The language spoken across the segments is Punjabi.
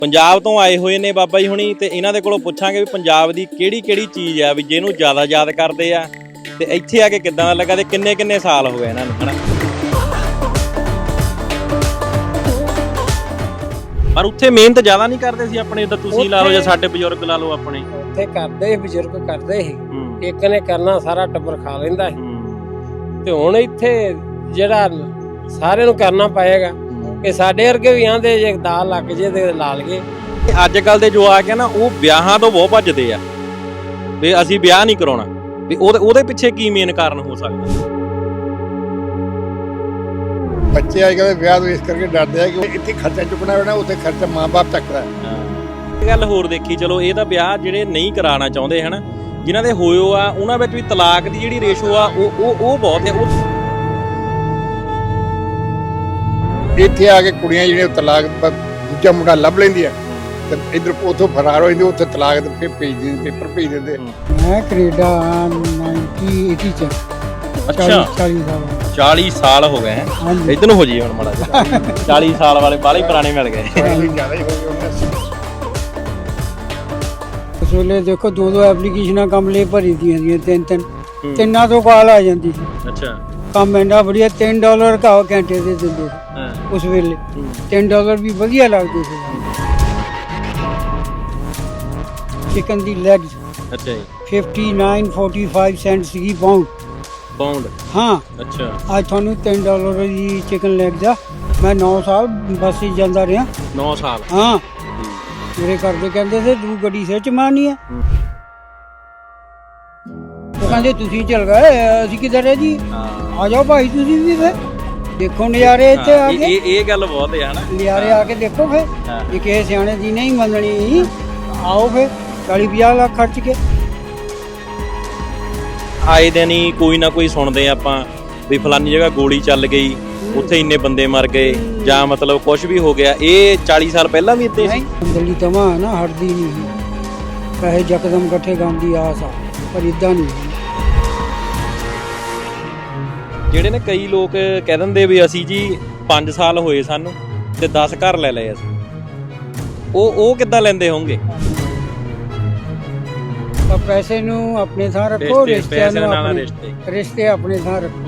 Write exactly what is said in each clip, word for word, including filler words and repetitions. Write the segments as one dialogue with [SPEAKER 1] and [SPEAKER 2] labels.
[SPEAKER 1] ਪੰਜਾਬ ਤੋਂ ਆਏ ਹੋਏ ਨੇ ਬਾਬਾ ਜੀ ਹੁਣੀ ਤੇ ਇਹਨਾਂ ਦੇ ਕੋਲੋਂ ਪੁੱਛਾਂਗੇ ਵੀ ਪੰਜਾਬ ਦੀ ਕਿਹੜੀ ਕਿਹੜੀ ਚੀਜ਼ ਆ ਵੀ ਜਿਹਨੂੰ ਜ਼ਿਆਦਾ ਯਾਦ ਕਰਦੇ ਆ ਤੇ ਇੱਥੇ ਆ ਕੇ ਕਿੱਦਾਂ ਦਾ ਲੱਗਾ ਤੇ ਕਿੰਨੇ ਕਿੰਨੇ ਸਾਲ ਹੋ ਗਏ ਇਹਨਾਂ ਨੂੰ ਹਨਾ। ਪਰ ਉੱਥੇ ਮਿਹਨਤ ਜ਼ਿਆਦਾ ਨਹੀਂ ਕਰਦੇ ਸੀ ਆਪਣੇ ਤਾਂ ਤੁਸੀਂ ਲਾ ਲਓ ਜਾਂ ਸਾਡੇ ਬਜ਼ੁਰਗ ਲਾ ਲਓ ਆਪਣੇ
[SPEAKER 2] ਉੱਥੇ ਕਰਦੇ ਬਜ਼ੁਰਗ ਕਰਦੇ ਸੀ ਇੱਕ ਨੇ ਕਰਨਾ ਸਾਰਾ ਟੱਬਰ ਖਾ ਲੈਂਦਾ ਸੀ ਤੇ ਹੁਣ ਇੱਥੇ ਜਿਹੜਾ ਸਾਰਿਆਂ ਨੂੰ ਕਰਨਾ ਪਏਗਾ ਕਿ ਸਾਡੇ ਵਰਗੇ ਵੀ ਆਂਦੇ ਜੇ ਦਾਲ ਲੱਗ ਜੇ ਤੇ ਲਾ ਲਈਏ।
[SPEAKER 1] ਅੱਜ ਕੱਲ ਦੇ ਜੋ ਆ ਕੇ ਨਾ ਉਹ ਵਿਆਹਾਂ ਤੋਂ ਬਹੁਤ ਭੱਜਦੇ ਆ ਵੀ ਅਸੀਂ ਵਿਆਹ ਨਹੀਂ ਕਰਾਉਣਾ ਵੀ ਉਹਦੇ ਉਹਦੇ ਪਿੱਛੇ ਕੀ ਮੇਨ ਕਾਰਨ ਹੋ ਸਕਦਾ।
[SPEAKER 3] ਬੱਚੇ ਅੱਜ ਕੱਲ੍ਹ ਵਿਆਹ ਤੋਂ ਇਸ ਕਰਕੇ ਡਰਦੇ ਆ ਕਿ ਇੱਥੇ ਖਰਚਾ ਚੁੱਕਣਾ ਪੈਣਾ, ਉੱਥੇ ਖਰਚਾ ਮਾਂ-ਬਾਪ ਚੱਕਦਾ।
[SPEAKER 1] ਇਹ ਗੱਲ ਹੋਰ ਦੇਖੀ ਚਲੋ ਇਹ ਤਾਂ ਵਿਆਹ ਜਿਹੜੇ ਨਹੀਂ ਕਰਾਉਣਾ ਚਾਹੁੰਦੇ ਹਨ ਜਿਨ੍ਹਾਂ ਦੇ ਹੋਇਓ ਆ ਉਹਨਾਂ ਵਿੱਚ ਵੀ ਤਲਾਕ ਦੀ ਜਿਹੜੀ ਰੇਸ਼ੋ ਆ ਉਹ ਉਹ ਉਹ ਬਹੁਤ ਹੈ। ਉਹ
[SPEAKER 3] ਇੱਥੇ ਆ ਕੇ ਕੁੜੀਆਂ ਜਿਹੜੀਆਂ ਤਲਾਕ ਦੂਜਾ ਮੁੰਡਾ ਲੱਭ ਲੈਂਦੀਆਂ ਤੇ ਇੱਧਰ ਉੱਥੋਂ ਫਰਾਰ ਹੋ ਜਾਂਦੇ, ਉੱਥੇ ਤਲਾਕ ਦੇ ਫਿਰ ਭੇਜ ਦਿੰਦੇ ਪੇਪਰ ਭੇਜ ਦਿੰਦੇ।
[SPEAKER 2] ਮੈਂ ਕੈਨੇਡਾ ਉੱਨੀ ਸੌ ਅੱਸੀ ਚ
[SPEAKER 1] ਅੱਛਾ
[SPEAKER 2] ਚਾਲੀ ਸਾਲ
[SPEAKER 1] ਚਾਲੀ ਸਾਲ ਹੋ ਗਏ ਹੈ ਇੱਧਰ ਨੂੰ ਹੋ ਜੀ ਹੁਣ ਮਾੜਾ ਜਿਹਾ ਚਾਲੀ ਸਾਲ ਵਾਲੇ ਬਾਲੇ ਪੁਰਾਣੇ ਮਿਲ ਗਏ
[SPEAKER 3] ਜ਼ਿਆਦਾ ਹੀ ਹੋ ਗਏ ਉਹਨਾਂ
[SPEAKER 2] ਉਸ ਵੇਲੇ ਦੇਖੋ ਦੋ ਦੋ ਐਪਲੀਕੇਸ਼ਨਾਂ ਕੰਮ ਲਈ ਭਰੀ ਦੀਆਂ ਦੀਆਂ ਤਿੰਨ ਤਿੰਨ ਤਿੰਨਾਂ ਤੋਂ ਕਾਲ ਆ ਜਾਂਦੀ ਸੀ।
[SPEAKER 1] ਅੱਛਾ
[SPEAKER 2] ਕੰਮ ਇੰਨਾ ਵਧੀਆ ਤਿੰਨ ਡਾਲਰ ਕਾ ਘੰਟੇ ਦੇ ਦਿੰਦੇ ਸੀ ਉਸ ਵੇਲੇ ਤਿੰਨ ਡਾਲਰ ਵੀ ਵਧੀਆ ਲੱਗਦੇ ਸੀ। ਚਿਕਨ ਦੀ ਲੈਗਸ
[SPEAKER 1] ਅੱਛਾ ਜੀ
[SPEAKER 2] ਉਨਸਠ ਪੈਂਤਾਲੀ ਸੈਂਟ ਸੀਗੀ ਪਾਉਂਡ
[SPEAKER 1] ਪਾਉਂਡ
[SPEAKER 2] ਹਾਂ।
[SPEAKER 1] ਅੱਛਾ
[SPEAKER 2] ਅੱਜ ਤੁਹਾਨੂੰ ਤਿੰਨ ਡਾਲਰ ਦੀ ਚਿਕਨ ਲੈਗ ਦਾ ਮੈਂ ਨੌ ਸਾਲ ਬੱਸ 'ਚ ਜਾਂਦਾ ਰਿਹਾ।
[SPEAKER 1] ਨੌ ਸਾਲ
[SPEAKER 2] ਹਾਂ ਮੇਰੇ ਘਰ ਦੇ ਕਹਿੰਦੇ ਸੀ ਤੂੰ ਗੱਡੀ ਸਿਰ ਚ ਮਾਰਨੀ ਆ। ਉਹ ਕਹਿੰਦੇ ਤੁਸੀਂ ਚਲ ਗਏ ਅਸੀਂ ਕਿੱਧਰ ਹੈ ਜੀ ਆ ਜਾਓ ਭਾਈ ਤੁਸੀਂ ਵੀ ਫਿਰ ਦੇਖੋ ਨਜ਼ਾਰੇ ਇੱਥੇ ਆ ਕੇ।
[SPEAKER 1] ਇਹ ਇਹ ਗੱਲ ਬਹੁਤ ਹੈ ਹਨਾ
[SPEAKER 2] ਨਜ਼ਾਰੇ ਆ ਕੇ ਦੇਖੋ ਫਿਰ ਇਹ ਕਿਸੇ ਸਿਆਣੇ ਦੀ ਨਹੀਂ ਮੰਨਣੀ ਆਓ ਫਿਰ ਚਾਲੀ ਪੰਜਾਹ ਲੱਖ ਖਰਚ ਕੇ।
[SPEAKER 1] ਆਏ ਦਿਨ ਹੀ ਕੋਈ ਨਾ ਕੋਈ ਸੁਣਦੇ ਆਪਾਂ ਵੀ ਫਲਾਨੀ ਜਗ੍ਹਾ ਗੋਲੀ ਚੱਲ ਗਈ ਉੱਥੇ ਇੰਨੇ ਬੰਦੇ ਮਰ ਗਏ ਜਾਂ ਮਤਲਬ ਕੁਝ ਵੀ ਹੋ ਗਿਆ। ਇਹ ਚਾਲੀ ਸਾਲ ਪਹਿਲਾਂ ਵੀ ਇੱਥੇ ਸੀ।
[SPEAKER 2] ਅੰਦਰਲੀ ਤਮਾ ਨਾ ਹਟਦੀ ਨਹੀਂ ਪੈਸੇ ਯਕਦਮ ਇਕੱਠੇ ਕਰਨ ਦੀ ਆਸ ਆ ਪਰ ਇਦਾਂ ਨਹੀਂ।
[SPEAKER 1] ਜਿਹੜੇ ਨੇ ਕਈ ਲੋਕ ਕਹਿ ਦਿੰਦੇ ਵੀ ਅਸੀਂ ਜੀ ਪੰਜ ਸਾਲ ਹੋਏ ਸਾਨੂੰ ਤੇ ਦਸ ਘਰ ਲੈ ਲਏ ਅਸੀਂ ਉਹ ਉਹ ਕਿੱਦਾਂ ਲੈਂਦੇ ਹੋਣਗੇ।
[SPEAKER 2] ਤਾਂ ਪੈਸੇ ਨੂੰ ਆਪਣੇ ਥਾਂ ਰੱਖੋ ਰਿਸ਼ਤਿਆਂ ਨੂੰ ਆਪਣੇ ਰਿਸ਼ਤੇ ਆਪਣੇ ਥਾਂ ਰੱਖੋ।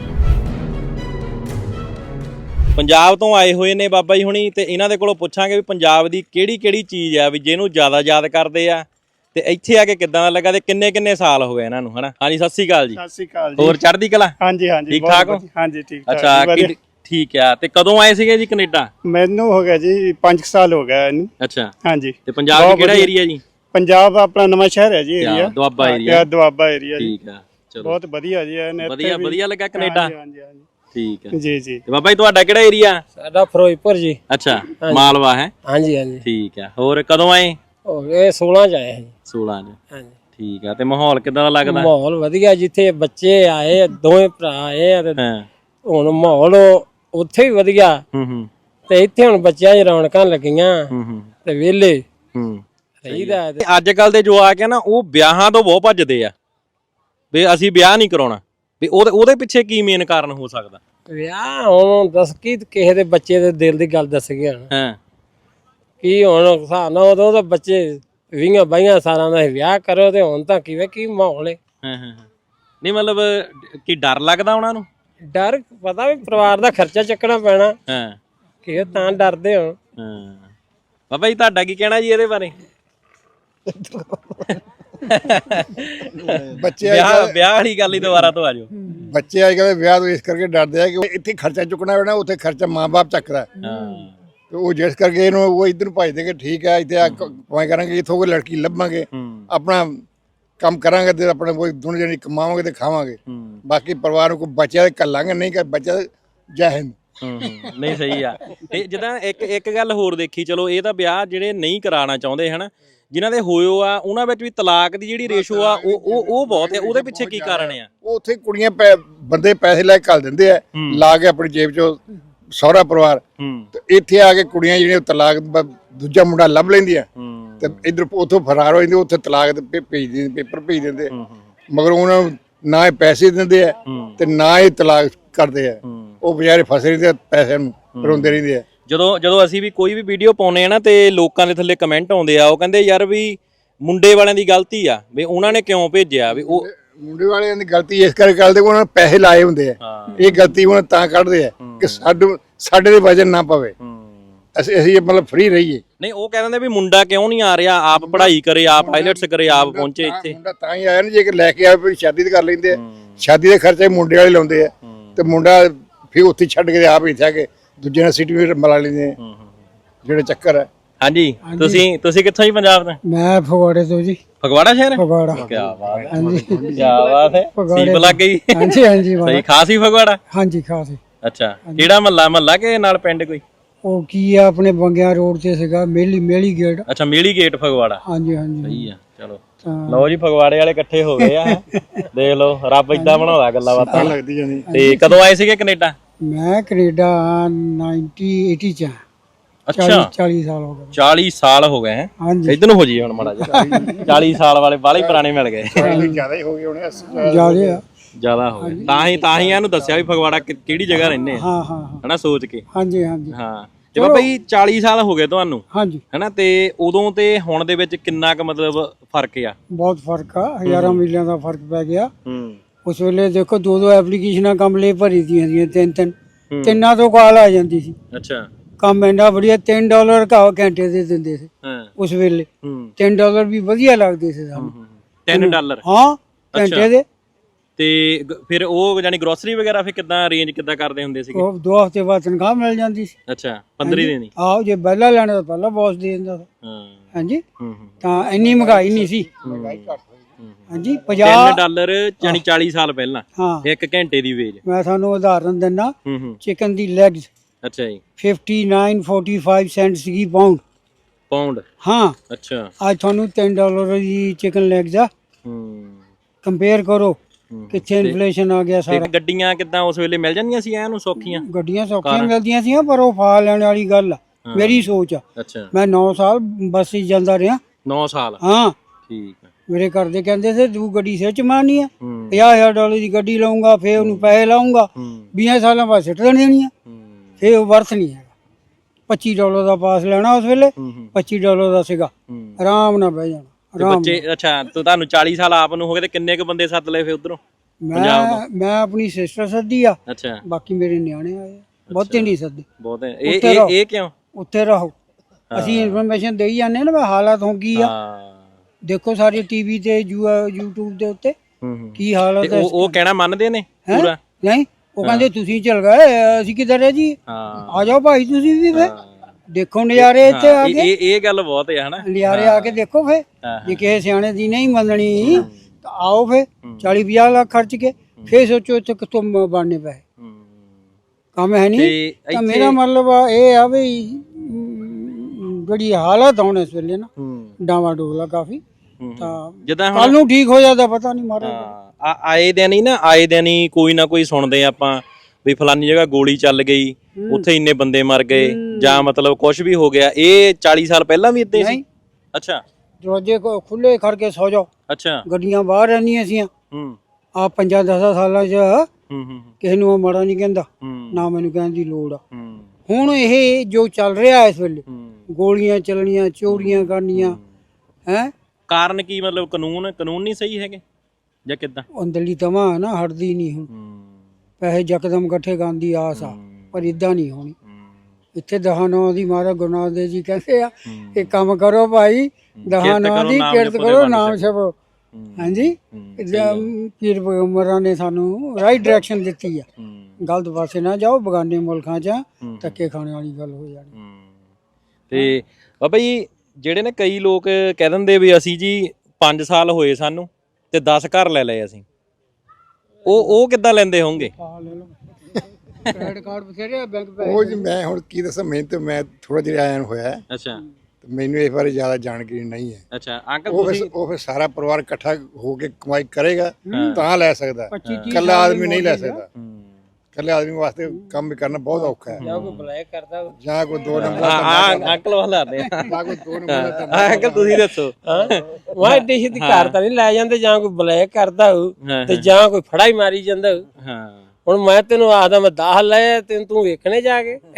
[SPEAKER 1] ਪੰਜਾਬ ਤੋਂ ਆਏ ਹੋਏ ਨੇ ਬਾਬਾ ਜੀ ਹੁਣੀ ਤੇ ਇਹਨਾਂ ਦੇ ਕੋਲੋਂ ਪੁੱਛਾਂਗੇ ਵੀ ਪੰਜਾਬ ਦੀ ਕਿਹੜੀ ਕਿਹੜੀ ਚੀਜ਼ ਆ ਵੀ ਜਿਹਨੂੰ ਜ਼ਿਆਦਾ ਯਾਦ ਕਰਦੇ ਆ ਤੇ ਇੱਥੇ ਆ ਕੇ ਕਿੱਦਾਂ ਦਾ ਲੱਗਾ ਤੇ ਕਿੰਨੇ ਕਿੰਨੇ ਸਾਲ ਹੋ ਗਏ ਇਹਨਾਂ ਨੂੰ ਹਨਾ। ਹਾਂਜੀ ਸਤਿ ਸ੍ਰੀ ਅਕਾਲ ਜੀ।
[SPEAKER 4] ਸਤਿ ਸ੍ਰੀ ਅਕਾਲ ਜੀ।
[SPEAKER 1] ਹੋਰ ਚੜ੍ਹਦੀ ਕਲਾ।
[SPEAKER 4] ਹਾਂਜੀ ਹਾਂਜੀ
[SPEAKER 1] ਠੀਕ ਠਾਕ ਹੋ।
[SPEAKER 4] ਹਾਂਜੀ ਠੀਕ ਠਾਕ।
[SPEAKER 1] ਅੱਛਾ ਠੀਕ ਆ ਤੇ ਕਦੋਂ ਆਏ ਸੀਗੇ ਜੀ ਕੈਨੇਡਾ।
[SPEAKER 4] ਮੈਨੂੰ ਹੋ ਗਿਆ ਜੀ ਪੰਜ ਸਾਲ ਹੋ ਗਿਆ ਇਹਨੂੰ।
[SPEAKER 1] ਅੱਛਾ
[SPEAKER 4] ਹਾਂਜੀ
[SPEAKER 1] ਤੇ ਪੰਜਾਬ ਦਾ ਕਿਹੜਾ ਏਰੀਆ ਜੀ।
[SPEAKER 4] ਪੰਜਾਬ ਆਪਣਾ ਨਵਾਂ ਸ਼ਹਿਰ ਹੈ ਜੀ area
[SPEAKER 1] Doaba area.
[SPEAKER 4] Doaba area
[SPEAKER 1] ਠੀਕ ਆ ਚਲੋ
[SPEAKER 4] ਬਹੁਤ ਵਧੀਆ ਜੀ ਇਹਨੇ
[SPEAKER 1] ਵਧੀਆ ਵਧੀਆ ਲੱਗਾ ਕੈਨੇਡਾ।
[SPEAKER 4] ਹਾਂਜੀ ਹਾਂਜੀ
[SPEAKER 1] ਠੀਕ ਹੈ
[SPEAKER 4] ਜੀ ਜੀ।
[SPEAKER 1] ਤੇ ਬਾਬਾ ਜੀ ਤੁਹਾਡਾ ਕਿਹੜਾ ਏਰੀਆ।
[SPEAKER 2] ਸਾਡਾ ਫਿਰੋਜ਼ਪੁਰ ਜੀ।
[SPEAKER 1] ਅੱਛਾ ਮਾਲਵਾ ਹੈ।
[SPEAKER 2] ਹਾਂਜੀ ਹਾਂਜੀ
[SPEAKER 1] ਠੀਕ ਆ ਹੋਰ ਕਦੋਂ ਆਏ।
[SPEAKER 2] ਹੋ ਗਏ ਸੋਲਾਂ ਚ ਆਏ ਜੀ।
[SPEAKER 1] ਸੋਲਾਂ ਚ
[SPEAKER 2] ਹਾਂਜੀ
[SPEAKER 1] ਠੀਕ ਆ ਤੇ ਮਾਹੌਲ ਕਿੱਦਾਂ ਦਾ ਲੱਗਦਾ।
[SPEAKER 2] ਮਾਹੌਲ ਵਧੀਆ ਜਿੱਥੇ ਬੱਚੇ ਆਏ ਦੋਵੇਂ ਭਰਾ ਆਏ ਆ ਤੇ ਹੁਣ ਮਾਹੌਲ ਉੱਥੇ ਵੀ ਵਧੀਆ।
[SPEAKER 1] ਹੂੰ ਹੂੰ
[SPEAKER 2] ਤੇ ਇੱਥੇ ਹੁਣ ਬੱਚਿਆਂ 'ਚ ਰੌਣਕਾਂ ਲੱਗੀਆਂ
[SPEAKER 1] ਹੂੰ ਹੂੰ
[SPEAKER 2] ਤੇ ਵਿਹਲੇ
[SPEAKER 1] ਹੂੰ
[SPEAKER 2] ਰਹੀਦਾ।
[SPEAKER 1] ਅੱਜ ਕੱਲ ਦੇ ਜੋ ਆ ਕੇ ਨਾ ਉਹ ਵਿਆਹਾਂ ਤੋਂ ਬਹੁਤ ਭੱਜਦੇ ਆ ਵੀ ਅਸੀਂ ਵਿਆਹ ਨਹੀਂ ਕਰਾਉਣਾ ਵੀ ਉਹਦੇ ਉਹਦੇ ਪਿੱਛੇ ਕੀ ਮੇਨ ਕਾਰਨ ਹੋ ਸਕਦਾ।
[SPEAKER 2] ਵਿਆਹ ਹੁਣ ਦੱਸ ਕੀ ਕਿਸੇ ਦੇ ਬੱਚੇ ਦੇ ਦਿਲ ਦੀ ਗੱਲ ਦੱਸ ਗਿਆ
[SPEAKER 1] ਹਾਂ
[SPEAKER 2] ਕੀ ਹੁਣ ਹਿਸਾਬ ਨਾਲ ਉਦੋਂ ਤਾਂ ਬੱਚੇ ਵੀਹਾਂ ਬਾਈਆਂ ਸਾਲਾਂ ਦਾ ਵਿਆਹ ਕਰੋ ਤੇ ਹੁਣ ਤਾਂ ਕਿਵੇਂ ਕੀ ਮਾਹੌਲ ਹੈ।
[SPEAKER 1] ਹਾਂ ਹਾਂ ਨਹੀਂ ਮਤਲਬ ਕੀ ਡਰ ਲੱਗਦਾ ਉਹਨਾਂ ਨੂੰ।
[SPEAKER 2] ਡਰ ਪਤਾ ਵੀ ਪਰਿਵਾਰ ਦਾ ਖਰਚਾ ਚੱਕਣਾ ਪੈਣਾ
[SPEAKER 1] ਹਾਂ
[SPEAKER 2] ਕਿ ਤਾਂ ਡਰਦੇ ਹੋ।
[SPEAKER 1] ਹਾਂ ਬਾਬਾ ਜੀ ਤੁਹਾਡਾ ਕੀ ਕਹਿਣਾ ਜੀ ਇਹਦੇ ਬਾਰੇ।
[SPEAKER 3] ਬੱਚੇ
[SPEAKER 1] ਵਿਆਹ ਵਿਆਹ ਵਾਲੀ ਗੱਲ ਹੀ ਦੁਬਾਰਾ ਤੋਂ ਆ ਜਾਓ।
[SPEAKER 3] ਬੱਚੇ ਅੱਜ ਕੱਲ੍ਹ ਵਿਆਹ ਤੋਂ ਇਸ ਕਰਕੇ ਡਰਦੇ ਆ ਕਿ ਇੱਥੇ ਖਰਚਾ ਚੁੱਕਣਾ ਪੈਣਾ, ਉੱਥੇ ਖਰਚਾ ਮਾਂ-ਬਾਪ ਚੱਕਦਾ।
[SPEAKER 1] ਹਾਂ
[SPEAKER 3] ਤੇ ਉਹ ਜਿਸ ਕਰਕੇ ਇਹਨੂੰ ਉਹ ਇੱਧਰ ਨੂੰ ਭਜਦੇ ਕਿ ਠੀਕ ਹੈ ਇੱਥੇ ਆ ਕਮਾਈ ਕਰਾਂਗੇ, ਇੱਥੋਂ ਕੋਈ ਲੜਕੀ ਲੱਭਾਂਗੇ ਆਪਣਾ ਕੰਮ ਕਰਾਂਗੇ ਤੇ ਆਪਣੇ ਕੋਈ ਦੋਨੋਂ ਜਣੇ ਕਮਾਵਾਂਗੇ ਤੇ ਖਾਵਾਂਗੇ। ਬਾਕੀ ਪਰਿਵਾਰ ਨੂੰ ਕੋਈ ਬੱਚਿਆਂ ਦੇ ਘੱਲਾਂਗੇ ਨਹੀਂ ਕਿ ਬੱਚਾ ਜੈ ਹਿੰਦ।
[SPEAKER 1] ਨਹੀਂ ਸਹੀ ਆ ਤੇ ਜਿੱਦਾਂ ਇੱਕ ਇੱਕ ਗੱਲ ਹੋਰ ਦੇਖੀ ਚਲੋ ਇਹ ਤਾਂ ਵਿਆਹ ਜਿਹੜੇ ਨਹੀਂ ਕਰਾਉਣਾ ਚਾਹੁੰਦੇ ਹਨਾ ਜਿਨ੍ਹਾਂ ਦੇ ਹੋਇਓ ਆ ਉਹਨਾਂ ਵਿੱਚ ਵੀ ਤਲਾਕ ਦੀ ਜਿਹੜੀ ਰੇਸ਼ੋ ਆ ਉਹ ਉਹ ਉਹ ਬਹੁਤ ਹੈ। ਉਹਦੇ ਪਿੱਛੇ ਕੀ ਕਾਰਨ ਆ।
[SPEAKER 3] ਉਹ ਉੱਥੇ ਕੁੜੀਆਂ ਬੰਦੇ ਪੈਸੇ ਲੈ ਕੇ ਘੱਲ ਦਿੰਦੇ ਆ ਲਾ ਕੇ ਆਪਣੀ ਜੇਬ ਚੋਂ ਸਹੁਰਾ ਪਰਿਵਾਰ ਤੇ ਇੱਥੇ ਆ ਕੇ ਕੁੜੀਆਂ ਜਿਹੜੀਆਂ ਤਲਾਕ ਦੂਜਾ ਮੁੰਡਾ ਲੱਭ ਲੈਂਦੀਆਂ ਤੇ ਇੱਧਰ ਉੱਥੋਂ ਫਰਾਰ ਹੋ ਜਾਂਦੇ, ਉੱਥੇ ਤਲਾਕ ਦੇ ਭੇਜ ਦਿੰਦੇ ਪੇਪਰ ਭੇਜ ਦਿੰਦੇ ਮਗਰ ਉਹਨਾਂ ਨੂੰ ਨਾ ਇਹ ਪੈਸੇ ਦਿੰਦੇ ਆ ਤੇ ਨਾ ਇਹ ਤਲਾਕ ਕਰਦੇ ਆ। ਉਹ ਵਿਚਾਰੇ ਫਸੇ ਰਹਿੰਦੇ ਪੈਸਿਆਂ ਨੂੰ ਰੋਂਦੇ ਰਹਿੰਦੇ ਆ।
[SPEAKER 1] ਜਦੋਂ ਜਦੋਂ ਅਸੀਂ ਵੀ ਕੋਈ ਵੀ ਵੀਡੀਓ ਪਾਉਨੇ ਆ ਨਾ ਤੇ ਲੋਕਾਂ ਦੇ ਥੱਲੇ ਕਮੈਂਟ ਆਉਂਦੇ ਆ, ਉਹ ਕਹਿੰਦੇ ਯਾਰ ਵੀ ਮੁੰਡੇ ਵਾਲਿਆਂ ਦੀ ਗਲਤੀ ਆ ਵੀ ਉਹਨਾਂ ਨੇ ਕਿਉਂ ਭੇਜਿਆ, ਵੀ ਉਹ
[SPEAKER 3] ਮੁੰਡੇ ਵਾਲਿਆਂ ਦੀ ਗਲਤੀ ਇਸ ਕਰਕੇ ਕਰਦੇ ਉਹਨਾਂ ਨੇ ਪੈਸੇ ਲਾਏ ਹੁੰਦੇ ਆ, ਇਹ ਗਲਤੀ ਉਹਨਾਂ ਤਾਂ ਕੱਢਦੇ ਆ ਕਿ ਸਾਡੇ ਸਾਡੇ ਦੇ ਵਜਨ ਨਾ ਪਵੇ, ਅਸੀਂ ਅਸੀਂ ਮਤਲਬ ਫ੍ਰੀ ਰਹੀਏ।
[SPEAKER 1] ਨਹੀਂ ਉਹ ਕਹਿੰਦੇ ਵੀ ਮੁੰਡਾ ਕਿਉਂ ਨਹੀਂ ਆ ਰਿਹਾ, ਆਪ ਪੜ੍ਹਾਈ ਕਰੇ, ਆਪ ਪਾਇਲਟਸ ਕਰੇ, ਆਪ ਪਹੁੰਚੇ ਇੱਥੇ।
[SPEAKER 3] ਮੁੰਡਾ ਤਾਂ ਹੀ ਆਇਆ ਨਾ ਜੇ ਕਿ ਲੈ ਕੇ ਆਵੇ ਸ਼ਾਦੀ ਤੇ ਕਰ ਲੈਂਦੇ ਆ, ਸ਼ਾਦੀ ਦੇ ਖਰਚੇ ਮੁੰਡੇ ਵਾਲੇ ਲਾਉਂਦੇ ਆ ਤੇ ਮੁੰਡਾ ਫਿਰ ਉੱਥੇ ਛੱਡ ਕੇ ਆਪ ਇੱਥੇ ਆ ਕੇ ਦੂਜੇ ਨਾਲ ਸਿਟੀ ਵੀ ਮਿਲਾ ਲੈਂਦੇ ਆ, ਜਿਹੜੇ ਚੱਕਰ ਹੈ।
[SPEAKER 1] ਹਾਂਜੀ ਤੁਸੀਂ ਤੁਸੀਂ ਕਿੱਥੋਂ ਜੀ ਪੰਜਾਬ ਤੋਂ?
[SPEAKER 2] ਮੈਂ ਫਗਵਾੜੇ ਤੋਂ ਜੀ।
[SPEAKER 1] ਫਗਵਾੜਾ ਸ਼ਹਿਰ?
[SPEAKER 2] ਫਗਵਾੜਾ।
[SPEAKER 1] ਕੀ ਬਾਤ ਹੈ, ਹਾਂਜੀ ਕੀ ਬਾਤ ਹੈ, ਸੀਪ ਲੱਗ ਗਈ।
[SPEAKER 2] ਹਾਂਜੀ ਹਾਂਜੀ
[SPEAKER 1] ਸਹੀ ਖਾਸੀ ਫਗਵਾੜਾ?
[SPEAKER 2] ਹਾਂਜੀ ਖਾਸੀ।
[SPEAKER 1] ਅੱਛਾ ਕਿਹੜਾ ਮਹੱਲਾ ਮਹੱਲਾ ਕੇ ਨਾਲ ਪਿੰਡ ਕੋਈ?
[SPEAKER 2] ਉਹ ਕੀ ਆ ਆਪਣੇ ਬੰਗਿਆ ਰੋਡ ਤੇ ਸੀਗਾ ਮੇਲੀ ਮੇਲੀ ਗੇਟ।
[SPEAKER 1] ਅੱਛਾ ਮੇਲੀ ਗੇਟ ਫਗਵਾੜਾ।
[SPEAKER 2] ਹਾਂਜੀ ਹਾਂਜੀ
[SPEAKER 1] ਸਹੀ ਆ। ਚਲੋ ਲਓ ਜੀ ਫਗਵਾੜੇ ਵਾਲੇ ਇਕੱਠੇ ਹੋ ਗਏ ਆ, ਦੇਖ ਲਓ ਰੱਬ ਇਦਾਂ ਬਣਾਉਂਦਾ ਗੱਲਾਂ ਬਾਤਾਂ।
[SPEAKER 3] ਲੱਗਦੀ ਜਾਂਦੀ।
[SPEAKER 1] ਤੇ ਕਦੋਂ ਆਏ ਸੀਗੇ ਕੈਨੇਡਾ?
[SPEAKER 2] ਮੈਂ ਕੈਨੇਡਾ ਉੱਨੀ ਅੱਸੀ ਚ।
[SPEAKER 1] ਅੱਛਾ
[SPEAKER 2] ਚਾਲੀ ਸਾਲ ਹੋ ਗਏ।
[SPEAKER 1] ਚਾਲੀ ਸਾਲ ਹੋ ਗਏ ਹੈ।
[SPEAKER 2] ਹਾਂਜੀ
[SPEAKER 1] ਇਧਰ ਨੂੰ ਹੋ ਜੀ ਹੁਣ ਮਾੜਾ ਜਿਹਾ। ਚਾਲੀ ਸਾਲ ਵਾਲੇ ਬਾਹਲੇ ਪੁਰਾਣੇ ਮਿਲ ਗਏ।
[SPEAKER 3] ਜ਼ਿਆਦਾ ਹੀ ਹੋ ਗਏ ਹੋਣੇ।
[SPEAKER 2] ਜਿਆਦੇ ਆ।
[SPEAKER 1] ਜ਼ਿਆਦਾ ਹੋ ਗਏ, ਤਾਂ ਹੀ ਤਾਂ ਹੀ ਇਹਨੂੰ ਦੱਸਿਆ ਵੀ ਫਗਵਾੜਾ ਕਿਹੜੀ ਜਗ੍ਹਾ ਰਹਿੰਦੇ ਆ।
[SPEAKER 2] ਹਾਂ ਹਾਂ
[SPEAKER 1] ਹਨਾ ਸੋਚ ਕੇ।
[SPEAKER 2] ਹਾਂਜੀ ਹਾਂਜੀ
[SPEAKER 1] ਹਾਂ ਤੇ ਬਾਬਾ ਜੀ ਚਾਲੀ ਸਾਲ ਹੋ ਗਏ ਤੁਹਾਨੂੰ,
[SPEAKER 2] ਹਾਂਜੀ
[SPEAKER 1] ਹਨਾ, ਤੇ ਉਦੋਂ ਤੇ ਹੁਣ ਦੇ ਵਿੱਚ ਕਿੰਨਾ ਕੁ ਮਤਲਬ ਫਰਕ ਆ?
[SPEAKER 2] ਬਹੁਤ ਫਰਕ ਆ, ਹਜ਼ਾਰਾਂ ਮੀਲਾਂ ਦਾ ਫਰਕ ਪੈ ਗਿਆ।
[SPEAKER 1] ਹੂੰ
[SPEAKER 2] ਉਸ ਵੇਲੇ ਦੇਖੋ ਦੋ ਦੋ ਐਪਲੀਕੇਸ਼ਨਾਂ ਕੰਮ ਲਈ ਭਰੀ ਦੀਆਂ ਸੀ, ਤਿੰਨ ਤਿੰਨ ਤਿੰਨਾਂ ਤੋਂ ਕਾਲ ਆ ਜਾਂਦੀ ਸੀ।
[SPEAKER 1] ਅੱਛਾ
[SPEAKER 2] ਕੰਮ ਇੰਨਾ ਵਧੀਆ, ਤਿੰਨ ਡਾਲਰ ਕਾ ਘੰਟੇ ਦੇ ਦਿੰਦੇ ਸੀ
[SPEAKER 1] ਹਾਂ
[SPEAKER 2] ਉਸ ਵੇਲੇ।
[SPEAKER 1] ਹੂੰ
[SPEAKER 2] ਤਿੰਨ ਡਾਲਰ ਵੀ ਵਧੀਆ ਲੱਗਦੇ ਸੀ ਸਾਨੂੰ।
[SPEAKER 1] ਤਿੰਨ ਡਾਲਰ
[SPEAKER 2] ਹਾਂ ਘੰਟੇ ਦੇ।
[SPEAKER 1] ਤੇ ਗ- ਫਿਰ ਉਹ ਯਾਨੀ ਗਰੋਸਰੀ ਵਗੈਰਾ ਫਿਰ ਕਿੱਦਾਂ ਅਰੇਂਜ ਕਿੱਦਾਂ ਕਰਦੇ ਹੁੰਦੇ ਸੀਗੇ?
[SPEAKER 2] ਉਹ ਦੋ ਹਫ਼ਤੇ ਬਾਅਦ ਤਨਖਾਹ ਮਿਲ ਜਾਂਦੀ ਸੀ।
[SPEAKER 1] ਅੱਛਾ ਪੰਦਰਾਂ ਦਿਨ ਦੀ?
[SPEAKER 2] ਆਹੋ ਜੇ ਪਹਿਲਾਂ ਲੈਣਾ ਤਾਂ ਪਹਿਲਾਂ ਬੌਸ ਦੇ ਦਿੰਦਾ ਸੀ।
[SPEAKER 1] ਹਾਂ
[SPEAKER 2] ਹਾਂਜੀ
[SPEAKER 1] ਹੂੰ ਹੂੰ
[SPEAKER 2] ਤਾਂ ਇੰਨੀ ਮਹਿੰਗਾਈ ਨਹੀਂ ਸੀ। ਹਾਂਜੀ
[SPEAKER 1] ਤਿੰਨ
[SPEAKER 2] ਪੰਜਾਹ।
[SPEAKER 1] ਡਾਲਰ ਯਾਨੀ ਚਾਲੀ ਸਾਲ ਪਹਿਲਾਂ
[SPEAKER 2] ਹਾਂ
[SPEAKER 1] ਇੱਕ ਘੰਟੇ ਦੀ ਵੇਜ।
[SPEAKER 2] ਮੈਂ ਤੁਹਾਨੂੰ ਉਦਾਹਰਨ ਦਿੰਦਾ,
[SPEAKER 1] ਹੂੰ ਹੂੰ
[SPEAKER 2] ਚਿਕਨ ਦੀ ਲੈਗਸ
[SPEAKER 1] ਅੱਛਾ ਜੀ
[SPEAKER 2] ਉਨਸੱਠ ਪੈਂਤਾਲੀ ਸੈਂਟ ਸੀਗੀ ਪਾਉਂਡ।
[SPEAKER 1] ਪਾਉਂਡ?
[SPEAKER 2] ਹਾਂ
[SPEAKER 1] ਅੱਛਾ
[SPEAKER 2] ਅੱਜ ਤੁਹਾਨੂੰ ਤਿੰਨ ਡਾਲਰ ਦੀ ਚਿਕਨ ਲੈਗਸ ਆ।
[SPEAKER 1] ਹੂੰ
[SPEAKER 2] ਕੰਪੇਅਰ ਕਰੋ
[SPEAKER 1] ਹੂੰ।
[SPEAKER 2] ਕਿੱਥੇ ਇਨਫਲੇਸ਼ਨ ਆ ਗਿਆ
[SPEAKER 1] ਤੇ
[SPEAKER 2] ਸਾਰਾ।
[SPEAKER 1] ਗੱਡੀਆਂ ਕਿੱਦਾਂ ਉਸ ਵੇਲੇ ਮਿਲ ਜਾਂਦੀਆਂ ਸੀ ਐਨੂੰ ਸੌਖੀਆਂ?
[SPEAKER 2] ਗੱਡੀਆਂ ਸੌਖੀਆਂ ਮਿਲਦੀਆਂ ਸੀ ਪਰ ਉਹ ਫਾ ਲੈਣ ਵਾਲੀ ਗੱਲ ਆ। ਮੇਰੀ ਸੋਚ ਆ।
[SPEAKER 1] ਅੱਛਾ
[SPEAKER 2] ਮੈਂ ਨੌ ਸਾਲ ਬੱਸ 'ਚ ਜਾਂਦਾ ਰਿਹਾ।
[SPEAKER 1] ਨੌ ਸਾਲ?
[SPEAKER 2] ਹਾਂ
[SPEAKER 1] ਠੀਕ ਆ।
[SPEAKER 2] ਮੇਰੇ ਘਰ ਦੇ ਕਹਿੰਦੇ ਸੀ ਤੂੰ ਗੱਡੀ ਸਿਰ ਚ ਮਾਰਨੀ ਆ,
[SPEAKER 1] ਹੂੰ
[SPEAKER 2] ਪੰਜਾਹ ਹਜ਼ਾਰ ਡਾਲਰ ਦੀ ਗੱਡੀ ਲਾਉਂਗਾ ਫੇਰ ਉਹਨੂੰ ਪੈਸੇ ਲਾਉਂਗਾ,
[SPEAKER 1] ਹੂੰ
[SPEAKER 2] ਵੀਹ ਸਾਲਾਂ ਬਾਅਦ ਸਿੱਟ ਦੇਣੀ ਆ,
[SPEAKER 1] ਹੂੰ
[SPEAKER 2] ਫੇਰ ਉਹ ਵਰਥ ਨਹੀਂ ਹੈਗਾ। ਪੱਚੀ ਡਾਲਰ ਦਾ ਪਾਸ ਲੈਣਾ ਉਸ ਵੇਲੇ,
[SPEAKER 1] ਹੂੰ ਹੂੰ
[SPEAKER 2] ਪੱਚੀ ਡਾਲਰ ਦਾ ਸੀਗਾ,
[SPEAKER 1] ਹੂੰ।
[SPEAKER 2] ਆਰਾਮ ਨਾਲ ਬਹਿ ਜਾਣਾ
[SPEAKER 1] ਤੇ
[SPEAKER 2] ਆਰਾਮ
[SPEAKER 1] ਬੱਚੇ ਅੱਛਾ ਤੇ ਤੁਹਾਨੂੰ ਚਾਲੀ ਸਾਲ ਆਪ ਨੂੰ ਹੋ ਗਏ ਤੇ ਕਿੰਨੇ ਕੁ ਬੰਦੇ ਸੱਦ ਲਏ ਫੇਰ ਉਧਰੋਂ?
[SPEAKER 2] ਮੈਂ ਮੈਂ ਆਪਣੀ ਸਿਸਟਰ ਸੱਦੀ ਆ,
[SPEAKER 1] ਅੱਛਾ
[SPEAKER 2] ਬਾਕੀ ਮੇਰੇ ਨਿਆਣੇ ਆਏ ਆ, ਬਹੁਤੇ ਨਹੀਂ ਸੱਦੇ।
[SPEAKER 1] ਬਹੁਤ ਹੈ। ਇਹ ਇਹ ਇਹ ਕਿਉਂ?
[SPEAKER 2] ਉੱਥੇ ਰਹੋ, ਅਸੀਂ ਇਨਫੋਰਮੇਸ਼ਨ ਦੇਈ ਜਾਂਦੇ ਨਾ ਵੀ ਹਾਲਾਤ ਹੋ ਕੀ ਆ।
[SPEAKER 1] ਹਾਂ
[SPEAKER 2] ਦੇਖੋ ਸਾਰੇ ਟੀਵੀ ਤੇ YouTube ਦੇ ਉੱਤੇ
[SPEAKER 1] ਹੂੰ ਹੂੰ।
[SPEAKER 2] ਕੀ ਹਾਲਤ
[SPEAKER 1] ਤੇ
[SPEAKER 2] ਹੈ।
[SPEAKER 1] ਉਹ ਉਹ ਕਹਿਣਾ ਮੰਨਦੇ ਨੇ
[SPEAKER 2] ਹੈਂ?
[SPEAKER 1] ਪੂਰਾ?
[SPEAKER 2] ਨਹੀਂ ਉਹ ਕਹਿੰਦੇ ਤੁਸੀਂ ਚਲ ਗਏ ਅਸੀਂ ਕਿੱਧਰ ਹੈ ਜੀ,
[SPEAKER 1] ਹਾਂ
[SPEAKER 2] ਆ ਜਾਓ ਭਾਈ ਤੁਸੀਂ ਵੀ ਫੇ ਦੇਖੋ ਨਜ਼ਾਰੇ ਇੱਥੇ ਆ
[SPEAKER 1] ਇਹ
[SPEAKER 2] ਕੇ,
[SPEAKER 1] ਇਹ ਇਹ ਗੱਲ ਬਹੁਤ ਹੈ ਹਨਾ।
[SPEAKER 2] ਨਜ਼ਾਰੇ ਆ ਕੇ ਦੇਖੋ ਫੇ।
[SPEAKER 1] ਹਾਂ,
[SPEAKER 2] ਜੇ ਕਿਸੇ ਸਿਆਣੇ ਦੀ ਨਹੀਂ ਮੰਨਣੀ ਤਾਂ ਆਓ ਫੇ ਚਾਲੀ ਪੰਜਾਹ ਲੱਖ ਖਰਚ ਕੇ ਫੇਰ ਸੋਚੋ ਇੱਥੇ ਕਿੱਥੋਂ ਮ- ਬਣਨੇ ਪਏ।
[SPEAKER 1] ਹੂੰ।
[SPEAKER 2] ਕੰਮ ਹੈ ਨਹੀਂ।
[SPEAKER 1] ਤੇ
[SPEAKER 2] ਤਾਂ ਮੇਰਾ ਮਤਲਬ ਆ ਇਹ ਆ ਵੀ ਅਮ, ਜਿਹੜੀ ਹਾਲਤ ਹੁਣ ਇਸ ਵੇਲੇ ਨਾ
[SPEAKER 1] ਹੂੰ
[SPEAKER 2] ਡਾਵਾ ਡੋਲਾ ਕਾਫੀ,
[SPEAKER 1] ਹੂੰ।
[SPEAKER 2] ਤਾਂ
[SPEAKER 1] ਜਿੱਦਾਂ
[SPEAKER 2] ਕੱਲ
[SPEAKER 1] ਹੁਣ
[SPEAKER 2] ਨੂੰ ਠੀਕ ਹੋ ਜਾਂਦਾ ਪਤਾ ਨਹੀਂ ਮਾਰੇ।
[SPEAKER 1] ਹਾਂ, ਆ- ਆਏ ਦਿਨ ਹੀ ਨਾ ਆਏ ਦਿਨ ਹੀ ਕੋਈ ਨਾ ਕੋਈ ਸੁਣਦੇ ਆਪਾਂ ਵੀ ਫਲਾਨੀ ਜਗ੍ਹਾ ਗੋਲੀ ਚੱਲ ਗਈ, ਉੱਥੇ ਇੰਨੇ ਬੰਦੇ ਮਰ ਗਏ, ਜਾਂ ਮਤਲਬ ਕੁਝ ਵੀ ਹੋ ਗਿਆ। ਇਹ ਚਾਲੀ ਸਾਲ ਪਹਿਲਾਂ ਵੀ ਇਦਾਂ ਹੀ ਸੀ?
[SPEAKER 2] ਨਹੀਂ
[SPEAKER 1] ਅੱਛਾ
[SPEAKER 2] ਦਰਵਾਜ਼ੇ ਕੋ ਖੁੱਲੇ ਕਰਕੇ ਸੌ ਜਾਓ,
[SPEAKER 1] ਅੱਛਾ
[SPEAKER 2] ਗੱਡੀਆਂ ਬਾਹਰ ਰਹਿੰਦੀਆਂ ਸੀ।
[SPEAKER 1] ਹੂੰ
[SPEAKER 2] ਆ ਪੰਜਾਂ ਦਸਾਂ ਸਾਲਾਂ 'ਚ
[SPEAKER 1] ਹੂੰ ਹੂੰ
[SPEAKER 2] ਕਿਸੇ ਨੂੰ ਮੈਂ ਮਾੜਾ ਨਹੀਂ ਕਹਿੰਦਾ,
[SPEAKER 1] ਹੂੰ
[SPEAKER 2] ਨਾ ਮੈਨੂੰ ਕਹਿਣ ਦੀ ਲੋੜ ਆ।
[SPEAKER 1] ਹੂੰ
[SPEAKER 2] ਹੁਣ ਇਹ ਜੋ ਚੱਲ ਰਿਹਾ ਇਸ ਵੇਲੇ,
[SPEAKER 1] ਹੂੰ।
[SPEAKER 2] ਗੋਲੀਆਂ ਚੱਲਣੀਆਂ, ਚੋਰੀਆਂ ਕਰਨੀਆਂ, ਹੈ
[SPEAKER 1] ਕਾਰਨ ਕੀ ਮਤਲਬ? ਕਾਨੂੰਨ ਕਾਨੂੰਨ ਨਹੀਂ ਸਹੀ ਹੈਗੇ ਜਾਂ ਕਿੱਦਾਂ?
[SPEAKER 2] ਅੰਦਰਲੀ ਤਮਾ ਹੈ ਨਾ, ਹਟਦੀ ਨਹੀਂ। ਹੁਣ
[SPEAKER 1] ਹੂੰ
[SPEAKER 2] ਪੈਸੇ ਯਕਦਮ ਇਕੱਠੇ ਕਰਨ ਦੀ ਆਸ ਆ, ਪਰ ਇਦਾਂ ਨਹੀਂ ਹੋਣੀ।
[SPEAKER 1] ਹੂੰ
[SPEAKER 2] ਇੱਥੇ ਦਹਾਂ ਨੌ ਦੀ ਮਹਾਰਾਜ ਗੁਰੂ ਨਾਨਕ ਦੇਵ ਜੀ ਕਹਿੰਦੇ ਆ
[SPEAKER 1] ਹੂੰ।
[SPEAKER 2] ਇਹ ਕੰਮ ਕਰੋ ਭਾਈ, ਦਹਾਂ ਨੌ
[SPEAKER 1] ਕਰੋ,
[SPEAKER 2] ਦੀ
[SPEAKER 1] ਨਾਮ
[SPEAKER 2] ਕਿਰਤ
[SPEAKER 1] ਜਪੋ,
[SPEAKER 2] ਕਰੋ,
[SPEAKER 1] ਵੰਡ
[SPEAKER 2] ਨਾਮ
[SPEAKER 1] ਛਕੋ।
[SPEAKER 2] ਛਕੋ।
[SPEAKER 1] ਹੂੰ।
[SPEAKER 2] ਹਾਂਜੀ
[SPEAKER 1] ਹੂੰ।
[SPEAKER 2] ਇਦਾਂ ਪੀਰ ਪੈਗੰਬਰਾਂ ਨੇ ਸਾਨੂੰ ਰਾਈਟ ਡਾਇਰੈਕਸ਼ਨ ਦਿੱਤੀ ਆ।
[SPEAKER 1] ਹੂੰ
[SPEAKER 2] ਗਲਤ ਪਾਸੇ ਨਾ ਜਾਓ, ਬਗਾਨੇ ਮੁਲਕਾਂ 'ਚ
[SPEAKER 1] ਹੂੰ।
[SPEAKER 2] ਧੱਕੇ ਖਾਣੇ ਵਾਲੀ ਗੱਲ ਹੋ ਜਾਣੀ।
[SPEAKER 1] ਹੂੰ। ਤੇ ਬਾਬਾ ਜੀ ਜਿਹੜੇ ਨੇ ਕਈ ਲੋਕ ਕਹਿ ਦਿੰਦੇ ਵੀ ਅਸੀਂ ਜੀ ਪੰਜ ਸਾਲ ਹੋਏ ਸਾਨੂੰ ਤੇ ਦਸ ਘਰ ਲੈ ਲਏ ਅਸੀਂ, ਉਹ ਉਹ ਕਿੱਦਾਂ ਲੈਂਦੇ ਹੋਣਗੇ?
[SPEAKER 2] ਆ ਲੈ ਲਓ ਕ੍ਰੈਡਿਟ ਕਾਰਡ ਬਥੇਰੇ ਆ, ਬੈਂਕ ਪੈ
[SPEAKER 3] ਉਹ ਜੀ ਮੈਂ ਹੁਣ ਕੀ ਦੱਸਾਂ, ਮੈਨੂੰ ਤੇ ਮੈਂ ਥੋੜਾ ਜਿਹਾ ਆਇਆ ਨੂੰ ਹੋਇਆ ਹੈ,
[SPEAKER 1] ਅੱਛਾ
[SPEAKER 3] ਤੇ ਮੈਨੂੰ ਇਸ ਬਾਰੇ ਜ਼ਿਆਦਾ ਜਾਣਕਾਰੀ ਨਹੀਂ ਹੈ।
[SPEAKER 1] ਅੱਛਾ ਅੰਕਲ
[SPEAKER 3] ਉਹ
[SPEAKER 1] ਤੁਸੀਂ
[SPEAKER 3] ਫਿਰ ਉਹ ਫਿਰ ਸਾਰਾ ਪਰਿਵਾਰ ਇਕੱਠਾ ਹੋ ਕੇ ਕਮਾਈ ਕਰੇਗਾ ਤਾਂ ਲੈ ਸਕਦਾ,
[SPEAKER 2] ਪੱਚੀ ਤੀਹ
[SPEAKER 3] ਇਕੱਲਾ
[SPEAKER 2] ਸਾਲ ਦੀ
[SPEAKER 3] ਆਦਮੀ ਨਹੀਂ ਲੈ
[SPEAKER 2] ਮੌਜ ਆ।
[SPEAKER 3] ਸਕਦਾ।
[SPEAKER 1] ਹੂੰ।
[SPEAKER 3] ਇਕੱਲੇ ਆਦਮੀ ਵਾਸਤੇ ਕੰਮ ਵੀ ਕਰਨਾ ਬਹੁਤ ਔਖਾ ਹੈ।
[SPEAKER 2] ਜਾਂ ਕੋਈ ਬਲੈਕ ਕਰਦਾ
[SPEAKER 3] ਜਾਂ ਕੋਈ ਦੋ ਨੰਬਰ
[SPEAKER 1] ਆ ਆ ਅੰਕਲ ਵਾਲਾ ਆ
[SPEAKER 3] ਜਾਂ ਕੋਈ ਦੋ ਨੰਬਰ ਦਾ
[SPEAKER 1] ਅੰਕਲ ਤੁਸੀਂ ਦੱਸੋ।
[SPEAKER 2] ਵਾਹ ਡਿਸ਼ ਦੀ ਘਰ ਤਾਂ ਨਹੀਂ ਲੈ ਜਾਂਦੇ, ਜਾਂ ਕੋਈ ਬਲੈਕ ਕਰਦਾ ਹੋਊ
[SPEAKER 1] ਹਾਂ,
[SPEAKER 2] ਤੇ ਜਾਂ ਕੋਈ ਫੜਾ ਹੀ ਮਾਰੀ ਜਾਂਦਾ ਹੋਊ।
[SPEAKER 1] ਹਾਂ
[SPEAKER 2] ਹੁਣ ਮੈਂ ਤੈਨੂੰ ਆਖਦਾ ਮੈਂ ਦਸ ਲਏ ਤੈਨੂੰ ਤੂੰ ਵੇਖਣੇ ਜਾ ਕੇ।
[SPEAKER 1] ਹਾਂ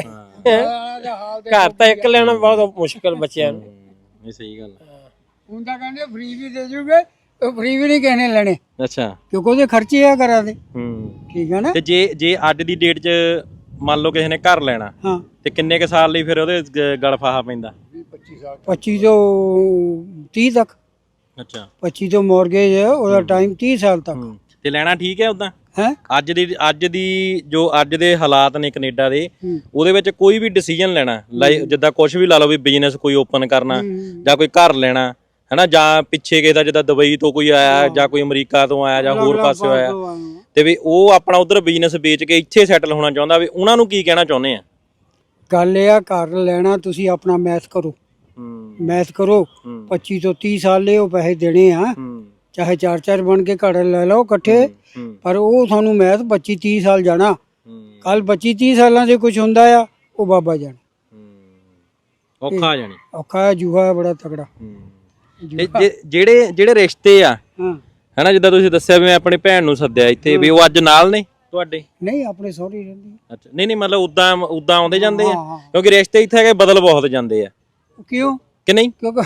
[SPEAKER 2] ਘਰ ਤਾਂ ਇੱਕ ਲੈਣਾ ਬਹੁਤ ਮੁਸ਼ਕਲ ਬੱਚਿਆਂ ਨੂੰ।
[SPEAKER 1] ਇਹ ਸਹੀ ਗੱਲ ਹੈ।
[SPEAKER 5] ਹੁਣ ਤਾਂ ਕਹਿੰਦੇ ਫ੍ਰੀ ਵੀ ਦੇ ਜੂਗੇ, ਉਹ ਫ੍ਰੀ ਵੀ ਨਹੀਂ ਕਿਸੇ ਨੇ ਲੈਣੇ
[SPEAKER 1] ਅੱਛਾ
[SPEAKER 5] ਕਿਉਂਕਿ ਉਹਦੇ ਖਰਚੇ ਆ ਘਰਾਂ ਦੇ।
[SPEAKER 1] ਹੂੰ
[SPEAKER 5] ਠੀਕ ਹੈ ਨਾ।
[SPEAKER 1] ਤੇ ਜੇ ਜੇ ਅੱਜ ਦੀ ਡੇਟ 'ਚ ਮੰਨ ਲਓ ਕਿਸੇ ਨੇ ਘਰ ਲੈਣਾ
[SPEAKER 5] ਹਾਂ
[SPEAKER 1] ਤੇ ਕਿੰਨੇ ਕ ਸਾਲ ਲਈ ਫਿਰ ਉਹਦੇ ਗ- ਗਲ ਫਾਹਾ ਪੈਂਦਾ?
[SPEAKER 5] ਪੱਚੀ ਤੋਂ ਤੀਹ ਤੱਕ।
[SPEAKER 1] ਅੱਛਾ
[SPEAKER 5] ਪੱਚੀ ਤੋਂ ਮੌਰਗੇਜ ਹੈ ਉਹਦਾ ਟਾਈਮ ਤੀਹ ਸਾਲ ਤੱਕ
[SPEAKER 1] ਹੂੰ ਤੇ ਲੈਣਾ ਠੀਕ ਹੈ ਉਦਾਂ?
[SPEAKER 5] ਹੈ।
[SPEAKER 1] ਅੱਜ ਦੀ ਅੱਜ ਦੀ ਜੋ ਅੱਜ ਦੇ ਹਾਲਾਤ ਨੇ ਕੈਨੇਡਾ ਦੇ,
[SPEAKER 5] ਹੂੰ।
[SPEAKER 1] ਉਹਦੇ ਵਿੱਚ ਕੋਈ ਵੀ ਡਿਸੀਜਨ ਲੈਣਾ ਲਾਈਕ ਜਿੱਦਾਂ ਕੁਝ ਵੀ ਲਾ ਲਓ ਵੀ ਬਿਜ਼ਨਸ ਕੋਈ ਓਪਨ ਕਰਨਾ ਜਾਂ ਕੋਈ ਘਰ ਲੈਣਾ ਹੈਨਾ, ਜਾਂ ਪਿੱਛੇ ਕਿਸੇ ਦਾ ਜਿੱਦਾਂ ਦੁਬਈ ਤੋਂ ਕੋਈ ਆਇਆ ਜਾਂ ਕੋਈ ਅਮਰੀਕਾ ਤੋਂ ਆਇਆ ਜਾਂ ਹੋਰ ਪਾਸੇ ਆਇਆ ਤੇ ਵੀ ਉਹ ਆਪਣਾ ਉਧਰ ਬਿਜ਼ਨਸ ਵੇਚ ਕੇ ਇੱਥੇ ਸੈਟਲ ਹੋਣਾ ਚਾਹੁੰਦਾ, ਵੀ ਉਹਨਾਂ ਨੂੰ ਕੀ ਕਹਿਣਾ ਚਾਹੁੰਦੇ ਆ?
[SPEAKER 5] ਗੱਲ ਇਹ ਆ ਘਰ ਲੈਣਾ ਤੁਸੀਂ ਆਪਣਾ ਮੈਥ ਕਰੋ,
[SPEAKER 1] ਹੂੰ
[SPEAKER 5] ਮੈਥ ਕਰੋ।
[SPEAKER 1] ਹੂੰ
[SPEAKER 5] ਪੱਚੀ ਤੋਂ ਤੀਹ ਸਾਲ ਲਈ ਉਹ ਪੈਸੇ ਦੇਣੇ ਆ,
[SPEAKER 1] ਹੂੰ
[SPEAKER 5] ਚਾਹੇ ਚਾਰ ਚਾਰ ਬਣ ਕੇ ਘਰ ਲੈ ਲਓ ਇਕੱਠੇ,
[SPEAKER 1] ਹੂੰ
[SPEAKER 5] ਪਰ ਉਹ ਤੁਹਾਨੂੰ ਮੈਥ ਪੱਚੀ ਤੀਹ ਸਾਲ ਜਾਣਾ।
[SPEAKER 1] ਹੂੰ
[SPEAKER 5] ਕੱਲ ਪੱਚੀ ਤੀਹ ਸਾਲਾਂ 'ਚ ਕੁਝ ਹੁੰਦਾ ਆ ਉਹ ਬਾਬਾ ਜਾਣ।
[SPEAKER 1] ਔਖਾ ਜਾਣੀ।
[SPEAKER 5] ਔਖਾ ਜੂਹਾ ਬੜਾ ਤਗੜਾ।
[SPEAKER 1] ਹੂੰ ਤੇ ਜੇ- ਜਿਹੜੇ ਜਿਹੜੇ ਰਿਸ਼ਤੇ ਆ
[SPEAKER 5] ਹਾਂ
[SPEAKER 1] ਹੈਨਾ, ਜਿੱਦਾਂ ਤੁਸੀਂ ਦੱਸਿਆ ਵੀ ਮੈਂ ਆਪਣੀ ਭੈਣ ਨੂੰ ਸੱਦਿਆ ਇੱਥੇ, ਵੀ ਉਹ ਅੱਜ ਨਾਲ ਨੇ ਤੁਹਾਡੇ?
[SPEAKER 5] ਨਹੀਂ ਆਪਣੇ ਸਹੁਰੇ ਰਹਿੰਦੀ
[SPEAKER 1] ਅੱਛਾ ਨਹੀਂ ਨਹੀਂ ਮਤਲਬ ਉਦਾਂ ਉਦਾਂ ਆਉਂਦੇ ਜਾਂਦੇ ਆ?
[SPEAKER 5] ਹਾਂ, ਹਾਂ।
[SPEAKER 1] ਕਿਉਂਕਿ ਰਿਸ਼ਤੇ ਇੱਥੇ ਹੈਗੇ ਬਦਲ ਬਹੁਤ ਜਾਂਦੇ ਆ
[SPEAKER 5] ਕਿਉਂ?
[SPEAKER 1] ਕਿ ਨਹੀਂ?
[SPEAKER 5] ਕਿਉਂਕਿ